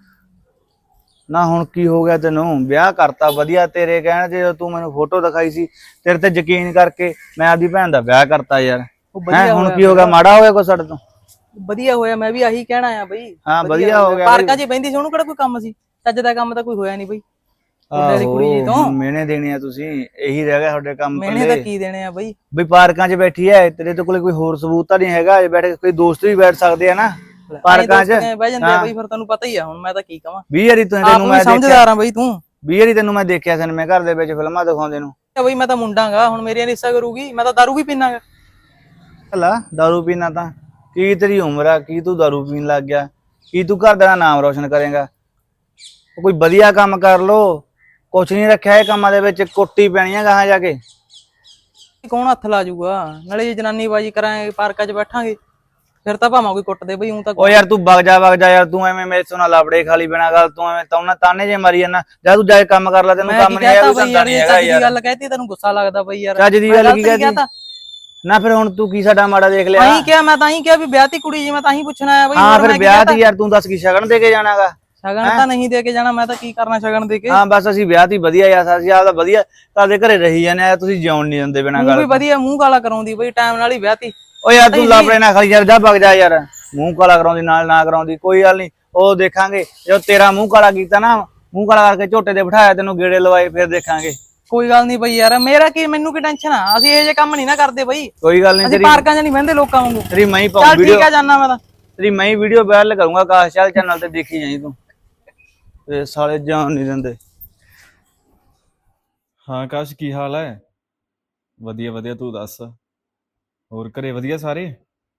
ਨਾ ਹੁਣ ਕੀ ਹੋ ਗਿਆ ਤੈਨੂੰ? ਵਿਆਹ ਕਰਤਾ ਵਧੀਆ, ਤੇਰੇ ਕਹਿਣ ਜੇ ਤੂੰ ਮੈਨੂੰ ਫੋਟੋ ਦਿਖਾਈ ਸੀ, ਤੇਰੇ ਤੇ ਯਕੀਨ ਕਰਕੇ ਮੈਂ ਆਪਦੀ ਭੈਣ ਦਾ ਵਿਆਹ ਕਰਤਾ ਯਾਰ। ਉਹ ਹੈਂ ਵਧੀਆ ਹੁਣ ਕੀ ਹੋ ਗਿਆ? ਮਾੜਾ ਹੋਇਆ ਕੋਈ ਸਾਡੇ ਤੋਂ? ਵਧੀਆ ਹੋਇਆ, ਮੈਂ ਵੀ ਆਹੀ ਕਹਿਣਾ ਆ ਬਾਈ। ਹਾਂ ਵਧੀਆ ਹੋ ਗਿਆ। ਪਾਰਕਾਂ 'ਚ ਬਹਿੰਦੀ ਸੀ, ਉਹਨੂੰ ਕਿਹੜਾ ਕੋਈ ਕੰਮ ਸੀ? ਚੱਜ ਦਾ ਕੰਮ ਤਾਂ ਕੋਈ ਹੋਇਆ ਨਹੀਂ ਬਾਈ। ਮੁੰਡੇ ਦੀ ਕੁੜੀ ਜੀ ਤੋਂ ਮਿਹਣੇ ਦੇਣੇ ਆ ਤੁਸੀਂ, ਇਹੀ ਰਹਿ ਗਿਆ ਤੁਹਾਡੇ ਕੰਮ ਮਿਹਣੇ ਤਾਂ ਕੀ ਦੇਣੇ ਆ ਬਾਈ? ਬਈ ਪਾਰਕਾਂ 'ਚ ਬੈਠੀ ਐ, ਤੇਰੇ ਤੋਂ ਕੋਲੇ ਕੋਈ ਹੋਰ ਸਬੂਤ ਤਾਂ ਨਹੀਂ ਹੈਗਾ? ਬੈਠ ਕੇ ਕੋਈ ਦੋਸਤ ਵੀ ਬੈਠ ਸਕਦੇ ਆ ਨਾ ਪਾਰਕਾਂ 'ਚ। ਬਹਿ ਜਾਂਦੇ ਆ ਬਾਈ, ਫਿਰ ਤੈਨੂੰ ਪਤਾ ਹੀ ਆ, ਹੁਣ ਮੈਂ ਤਾਂ ਕੀ ਕਵਾਂ। ਵੀਹ ਵਾਰੀ ਤੂੰ ਆਪ ਤੈਨੂੰ ਵੀ ਮੈਂ ਸਮਝਦਾਰ ਆ ਬਾਈ ਤੂੰ। ਵੀਹ ਵਾਰੀ ਤੈਨੂੰ ਮੈਂ ਦੇਖਿਆ ਸੀ ਮੈਂ ਘਰ ਦੇ ਵਿੱਚ ਫਿਲਮਾਂ ਦਿਖਾਉਂਦੇ ਨੂੰ। ਬਾਈ ਮੈਂ ਤਾਂ ਮੁੰਡਾਂਗਾ, ਹੁਣ ਮੇਰੀਆਂ ਰੀਸਾਂ ਕਰੂਗੀ? ਮੈਂ ਤਾਂ ਦਾਰੂ ਵੀ ਪੀਣਾਗਾ। ਹਲਾ ਦਾਰੂ ਪੀਣਾ ਤਾਂ ਕੀ ਤੇਰੀ ਉਮਰ ਆ, ਕੀ ਤੂੰ ਦਾਰੂ ਪੀਣ ਲੱਗ ਗਿਆ? ਕੀ ਤੂੰ ਘਰ ਦਾ ਨਾਮ ਰੋਸ਼ਨ ਕਰੇਗਾ? ਕੋਈ ਵਧੀਆ ਕੰਮ ਕਰ ਲੋ, ਕੁਛ ਨਹੀਂ ਰੱਖਿਆ ਇਹ ਕੰਮਾਂ ਦੇ ਵਿੱਚ, ਕੁੱਟੀ ਪੈਣੀ ਆ ਗਾਹਾਂ ਜਾ ਕੇ। ਕੌਣ ਹੱਥ ਲਾ ਜੂਗਾ? ਨਾਲੇ ਜੇ ਜਨਾਨੀ ਬਾਜੀ ਕਰਾਂਗੇ ਪਾਰਕਾਂ 'ਚ ਬੈਠਾਂਗੇ, ਫਿਰ ਤਾਂ ਭਾਵਾਂ ਕੋਈ ਕੁੱਟਦੇ ਬਈ। ਹੂੰ ਤਾਂ ਓ ਯਾਰ ਤੂੰ ਵਗ ਜਾ ਵਗ ਜਾ ਯਾਰ, ਤੂੰ ਐਵੇਂ ਮੇਰੇ ਤੋਂ ਨਾ ਲਾਪੜੇ ਖਾਲੀ ਬਿਨਾ ਗੱਲ, ਤੂੰ ਐਵੇਂ ਤਾਂ ਤਾਨੇ ਜੇ ਮਾਰੀ ਜਾਂਦਾ। ਜਾ ਤੂੰ ਜਾ ਕੇ ਕੰਮ ਕਰ ਲੈ, ਤੈਨੂੰ ਮੈਂ ਕੰਮ ਕੀ ਨਹੀਂ ਆਇਆ, ਕਹਤਾ ਕੋਈ ਬਈ ਧੰਦਾ ਯਾਰ? ਨਹੀਂ ਇਹ ਹੈਗਾ ਚੱਜ ਦੀ ਯਾਰ। ਗੱਲ ਕਹਿਤੀ ਤੈਨੂੰ ਗੁੱਸਾ ਲੱਗਦਾ ਬਈ ਯਾਰ? ਚੱਜ ਦੀ ਗੱਲ ਕੀ ਕਹਿਤੀ? ਨਾ ਫਿਰ ਹੁਣ ਤੂੰ ਕੀ ਸਾਡਾ ਮਾੜਾ ਦੇਖ ਲਿਆ? ਤਾਂ ਹੀ ਕਿਹਾ, ਮੈਂ ਤਾਂ ਹੀ ਕਿਹਾ ਵੀ ਵਿਆਹਤੀ ਕੁੜੀ ਜੀ, ਮੈਂ ਤਾਂ ਹੀ ਪੁੱਛਣਾ ਆਇਆ ਬਈ। ਹਾਂ ਫਿਰ ਵਿਆਹ ਦੀ ਯਾਰ ਤੂੰ ਦੱਸ ਕੀ ਸ਼ਗਨ ਦੇ ਕੇ ਜਾਣਾਗਾ? ਸ਼ਗਨ ਤਾਂ ਨਹੀਂ ਦੇ ਕੇ ਜਾਣਾ, ਮੈਂ ਤਾਂ ਕੀ ਕਰਨਾ ਸ਼ਗਨ ਦੇ ਕੇ? ਹਾਂ ਬਸ ਅਸੀਂ ਵਿਆਹ ਦੀ ਵਧੀਆ ਯਾਰ, ਅਸੀਂ ਆਪਦਾ ਵਧੀਆ ਤੁਹਾਡੇ ਘਰੇ ਰਹੀ ਜਾਂਦੇ ਆ, ਤੁਸੀਂ ਜਿਉਣ ਨਹੀਂ ਦਿੰਦੇ ਬਿਨਾਂ ਤੂੰ ਗੱਲ। ਵੀ ਵਧੀਆ ਮੂੰਹ ਕਾਲਾ ਕਰਾਉਂਦੀ ਬਈ, ਟਾਈਮ ਨਾਲ ਹੀ ਵਿਆਹਤੀ। ਓ ਯਾਰ ਤੂੰ ਲਾਪੜੇ ਨਾ ਖਾਲੀ ਯਾਰ, ਜਾ ਵਗ ਜਾ ਯਾਰ। ਮੂੰਹ ਕਾਲਾ ਕਰਾਉਂਦੀ ਨਾਲ ਨਾ ਕਰਾਉਂਦੀ ਕੋਈ ਗੱਲ ਨਹੀਂ, ਉਹ ਦੇਖਾਂਗੇ ਜਦੋਂ ਤੇਰਾ ਮੂੰਹ ਕਾਲਾ ਕੀਤਾ ਨਾ, ਮੂੰਹ ਕਾਲਾ ਕਰਕੇ ਝੋਟੇ ਤੇ ਬਿਠਾਇਆ, ਤੈਨੂੰ ਗੇੜੇ ਲਵਾਏ, ਫਿਰ ਦੇਖਾਂਗੇ। ਕੋਈ ਗੱਲ ਨਹੀਂ ਬਈ ਯਾਰ, ਮੇਰਾ ਕੀ, ਮੈਨੂੰ ਕੀ ਟੈਨਸ਼ਨ ਆ? ਅਸੀਂ ਇਹ ਜੇ ਕੰਮ ਨਹੀਂ ਨਾ ਕਰਦੇ ਬਈ। ਕੋਈ ਗੱਲ ਨਹੀਂ, ਅਸੀਂ ਤੇਰੀ ਪਾਰਕਾਂ 'ਚ ਨਹੀਂ ਬਹਿੰਦੇ ਲੋਕਾਂ ਵਾਂਗੂ। ਤੇਰੀ ਮੈਂ ਹੀ ਪਾਉਂ ਚੱਲ ਵੀਡੀਓ, ਠੀਕ ਆ, ਜਾਨਾ ਮੈਂ ਤਾਂ। ਤੇਰੀ ਮੈਂ ਹੀ ਵੀਡੀਓ ਵਾਇਰਲ ਕਰੂੰਗਾ ਆਕਾਸ਼ ਚੱਲ ਚੈਨਲ ਤੇ, ਦੇਖੀ ਜਾਈ ਤੂੰ। ਇਹ ਸਾਲੇ ਜਾਣ ਨਹੀਂ ਦਿੰਦੇ। ਹਾਂ ਆਕਾਸ਼ ਕੀ ਹਾਲ ਹੈ? ਵਧੀਆ ਵਧੀਆ, ਤੂੰ ਦੱਸ। ਹੋਰ ਘਰੇ ਵਧੀਆ ਸਾਰੇ?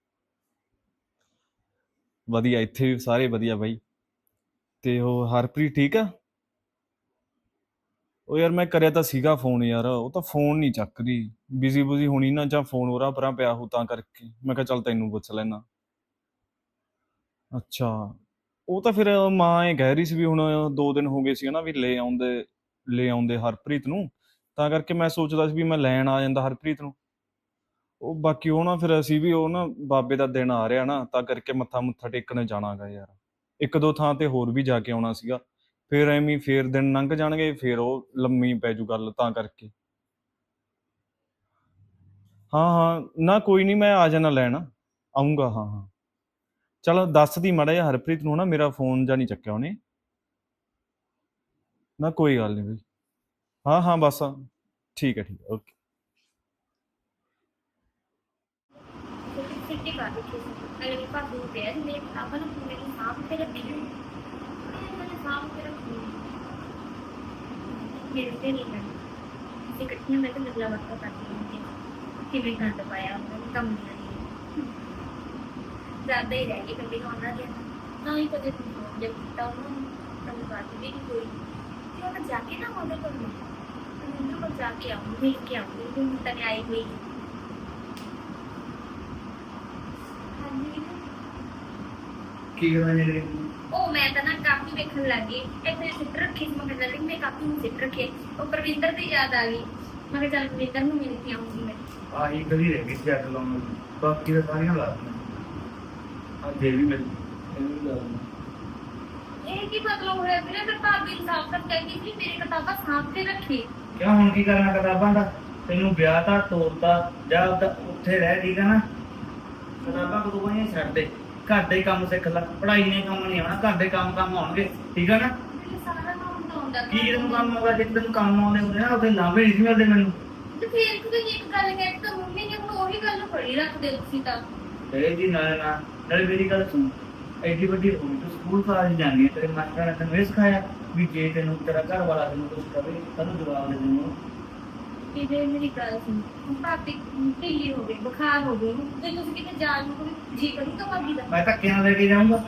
ਵਧੀਆ, ਇੱਥੇ ਵੀ ਸਾਰੇ ਵਧੀਆ ਬਾਈ। ਤੇ ਉਹ ਹਰਪ੍ਰੀਤ ਠੀਕ ਆ? ਉਹ ਯਾਰ ਮੈਂ ਕਰਿਆ ਤਾਂ ਸੀਗਾ ਫੋਨ ਯਾਰ, ਉਹ ਤਾਂ ਫੋਨ ਨਹੀਂ ਚੱਕ ਰਹੀ, ਬਿਜ਼ੀ ਬੁਜ਼ੀ ਹੋਣੀ ਨਾ, ਜਾਂ ਫੋਨ ਉਰਾਂ ਪਰਾਂ ਪਿਆ ਹੋ ਤਾਂ ਕਰਕੇ ਮੈਂ ਕਿਹਾ ਚੱਲ ਤੈਨੂੰ ਪੁੱਛ ਲੈਣਾ। ਅੱਛਾ, ਉਹ ਤਾਂ ਫਿਰ ਮਾਂ ਇਹ ਕਹਿ ਰਹੀ ਸੀ ਵੀ ਹੁਣ ਦੋ ਦਿਨ ਹੋ ਗਏ ਸੀ ਨਾ ਵੀ ਲੈ ਆਉਂਦੇ ਲੈ ਆਉਂਦੇ ਹਰਪ੍ਰੀਤ ਨੂੰ, ਤਾਂ ਕਰਕੇ ਮੈਂ ਸੋਚਦਾ ਸੀ ਵੀ ਮੈਂ ਲੈਣ ਆ ਜਾਂਦਾ ਹਰਪ੍ਰੀਤ ਨੂੰ। ਉਹ ਬਾਕੀ ਉਹ ਨਾ ਫਿਰ ਅਸੀਂ ਵੀ ਉਹ ਨਾ ਬਾਬੇ ਦਾ ਦਿਨ ਆ ਰਿਹਾ ਨਾ, ਤਾਂ ਕਰਕੇ ਮੱਥਾ ਮੁੱਥਾ ਟੇਕਣ ਜਾਣਾਗਾ ਯਾਰ, ਇੱਕ ਦੋ ਥਾਂ ਤੇ ਹੋਰ ਵੀ ਜਾ ਕੇ ਆਉਣਾ ਸੀਗਾ, ਫਿਰ ਐਵੇਂ ਹੀ ਫੇਰ ਦਿਨ ਲੰਘ ਜਾਣਗੇ, ਫਿਰ ਉਹ ਲੰਮੀ ਪੈ ਜੂ ਗੱਲ, ਤਾਂ ਕਰਕੇ। ਹਾਂ ਹਾਂ, ਨਾ ਕੋਈ ਨਹੀਂ, ਮੈਂ ਆ ਜਾਣਾ ਲੈਣ, ਆਊਂਗਾ। ਹਾਂ ਹਾਂ, ਚਲ ਦੱਸਦੀ ਮਾੜਾ ਜਿਹਾ ਹਰਪ੍ਰੀਤ ਨੂੰ ਨਾ, ਮੇਰਾ ਫੋਨ ਜਾਂ ਨਹੀਂ ਚੱਕਿਆ ਉਹਨੇ। ਨਾ ਕੋਈ ਗੱਲ ਨਹੀਂ ਬਈ। ਹਾਂ ਹਾਂ ਬਸ, ਠੀਕ ਹੈ ਠੀਕ ਹੈ, ਓਕੇ। ਛੁੱਟੀ ਕਰ ਦਿੱਤੀ ਸੀ ਅਗਲੇ ਭਾਬੀ ਨੂੰ ਕਿਹਾ ਸੀ ਮੇਰੇ ਕਿਤਾਬਾਂ ਨੂੰ ਮੇਰੇ ਸਾਹਮਣੇ ਤੇ ਰੱਖੀ ਮੇਰੇ ਸਾਹਮਣੇ ਰੱਖੀ ਮੇਰੇ ਤੇ ਨਹੀਂ ਹੈ ਅਸੀਂ ਇਕੱਠੀਆਂ ਮੈਂ ਤਾਂ ਲੱਗਲਾ ਵਰਤਾ ਕਰਦੀ ਹੁੰਦੀ ਕਿਵੇਂ ਗੰਦ ਪਾਇਆ ਉਹਨਾਂ ਨੇ ਕੰਮ ਨਹੀਂ ਜ਼ਿਆਦਾ ਹੀ ਰਹਿ ਗਈ ਕਦੇ ਉਹਨਾਂ ਦੇ ਨਾ ਹੀ ਕਦੇ ਜਦ ਕੀਤਾ ਉਹਨਾਂ ਨੂੰ ਕੰਮ ਕਰਦੀ ਵੀ ਨਹੀਂ ਕੋਈ ਤੇ ਉਹ ਜਾ ਕੇ ਨਾ ਉਹਦੇ ਕੋਲ ਮੈਨੂੰ ਕੋਲ ਜਾ ਕੇ ਆਉਂਗੀ ਮਿਲ ਕੇ ਆਉਂਗੀ ਹੁਣ ਤੱਕ ਆਈ ਹੋਈ ਕੀ ਕਰਨਾ ਜਿਹੜੇ ਉਹ ਮੈਂ ਤਾਂ ਨਾ ਕਾਪੀ ਵੇਖਣ ਲੱਗੀ ਇੱਥੇ ਸਿੱਟ ਰੱਖੀ ਸੀ ਮੈਂ ਕਹਿੰਦਾ ਮੈਂ ਕਾਪੀ ਨੂੰ ਸਿੱਟ ਰੱਖੀ ਉਹ ਪ੍ਰਵਿੰਦਰ ਦੀ ਯਾਦ ਆ ਗਈ ਮੈਂ ਕਿਹਾ ਚੱਲ ਪ੍ਰਵਿੰਦਰ ਨੂੰ ਮਿਲ ਕੇ ਆਉਂਗੀ ਮੈਂ ਆਹੀ ਕਦੀ ਰਹਿ ਗਈ ਚੈੱਕ ਲਾਉਣ ਨੂੰ, ਬਾਕੀ ਤਾਂ ਸਾਰੀਆਂ ਲਾ ਦਿੱਤੀਆਂ। ਆ ਜੇ ਵੀ ਮਿਲ ਇਹਨੂੰ ਵੀ ਲਾ ਦਿੰਦਾ। ਇਹ ਕੀ ਮਤਲਬ ਹੋਇਆ ਵੀਰੇ ਫਿਰ ਭਾਬੀ ਨੂੰ ਸਾਫ਼ ਕਰ ਕਹਿੰਦੀ ਸੀ ਮੇਰੇ ਕਿਤਾਬਾਂ ਸਾਂਭ ਕੇ ਰੱਖੀ ਕਿਉਂ ਹੁਣ ਕੀ ਕਰਨਾ ਕਿਤਾਬਾਂ ਦਾ? ਤੈਨੂੰ ਵਿਆਹ ਤਾਂ ਤੋਰਤਾ, ਜਾਂ ਉੱਦਾਂ ਉੱਥੇ ਰਹਿ, ਠੀਕ ਆ ਨਾ? ਕਿਤਾਬਾਂ ਕਦੋਂ ਨਹੀਂ ਛੱਡ ਦੇ, ਘਰ ਦੇ ਕੰਮ ਸਿੱਖ ਲੈ, ਪੜ੍ਹਾਈ ਨੇ ਕੰਮ ਨਹੀਂ ਆਉਣਾ, ਘਰ ਦੇ ਕੰਮ ਕੰਮ ਆਉਣਗੇ, ਠੀਕ ਆ ਨਾ? ਮੈਨੂੰ ਸਾਰਾ ਕੰਮ ਤਾਂ ਆਉਂਦਾ ਕੀ ਤੈਨੂੰ ਕੰਮ ਆਉਂਦਾ? ਜੇ ਤੈਨੂੰ ਕੰਮ ਆਉਂਦੇ ਹੁੰਦੇ ਨਾ ਉਹਦੇ ਲਾਭੇ ਨਹੀਂ ਸੀ ਮਿਲਦੇ ਮੈਨੂੰ। ਤੇ ਫਿਰ ਤੁਸੀਂ ਇੱਕ ਗੱਲ ਕਹਿ ਤਾਂ ਮੰਮੀ ਨੇ ਹੁਣ ਉਹੀ ਗੱਲ ਫੜੀ ਰੱਖਦੇ ਤੁਸੀਂ ਤਾਂ ਇਹ ਜੀ ਨਾਲੇ ਨਾ ਨਾਲੇ ਮੇਰੀ ਗੱਲ ਸੁਣ, ਐਡੀ ਵੱਡੀ ਹੋ ਗਈ ਤੂੰ ਸਕੂਲ ਕਾਲਜ ਜਾਂਦੀ ਹੈ, ਤੇਰੇ ਮਾਸਟਰਾਂ ਨੇ ਤੈਨੂੰ ਇਹ ਸਿਖਾਇਆ ਵੀ ਜੇ ਤੈਨੂੰ ਤੇਰਾ ਘਰ ਵਾਲਾ ਤੈਨੂੰ ਕੁਝ ਕਵੇ ਤੈਨੂੰ ਜਵਾਬ ਦੇ ਦੇਣਾ। ਕਿ ਜੇ ਮੇਰੀ ਗੱਲ ਸੁਣ ਭਾਬੀ ਢਿੱਲੀ ਹੋ ਗਈ ਬੁਖਾਰ ਹੋ ਗਈ ਤੇ ਤੁਸੀਂ ਕਿਤੇ ਜਾਣ ਨੂੰ ਕੋਈ ਜੀ ਕਰੂਗਾ ਭਾਬੀ ਦਾ ਮੈਂ ਧੱਕੇ ਨਾਲ ਲੈ ਕੇ ਜਾਊਂਗਾ।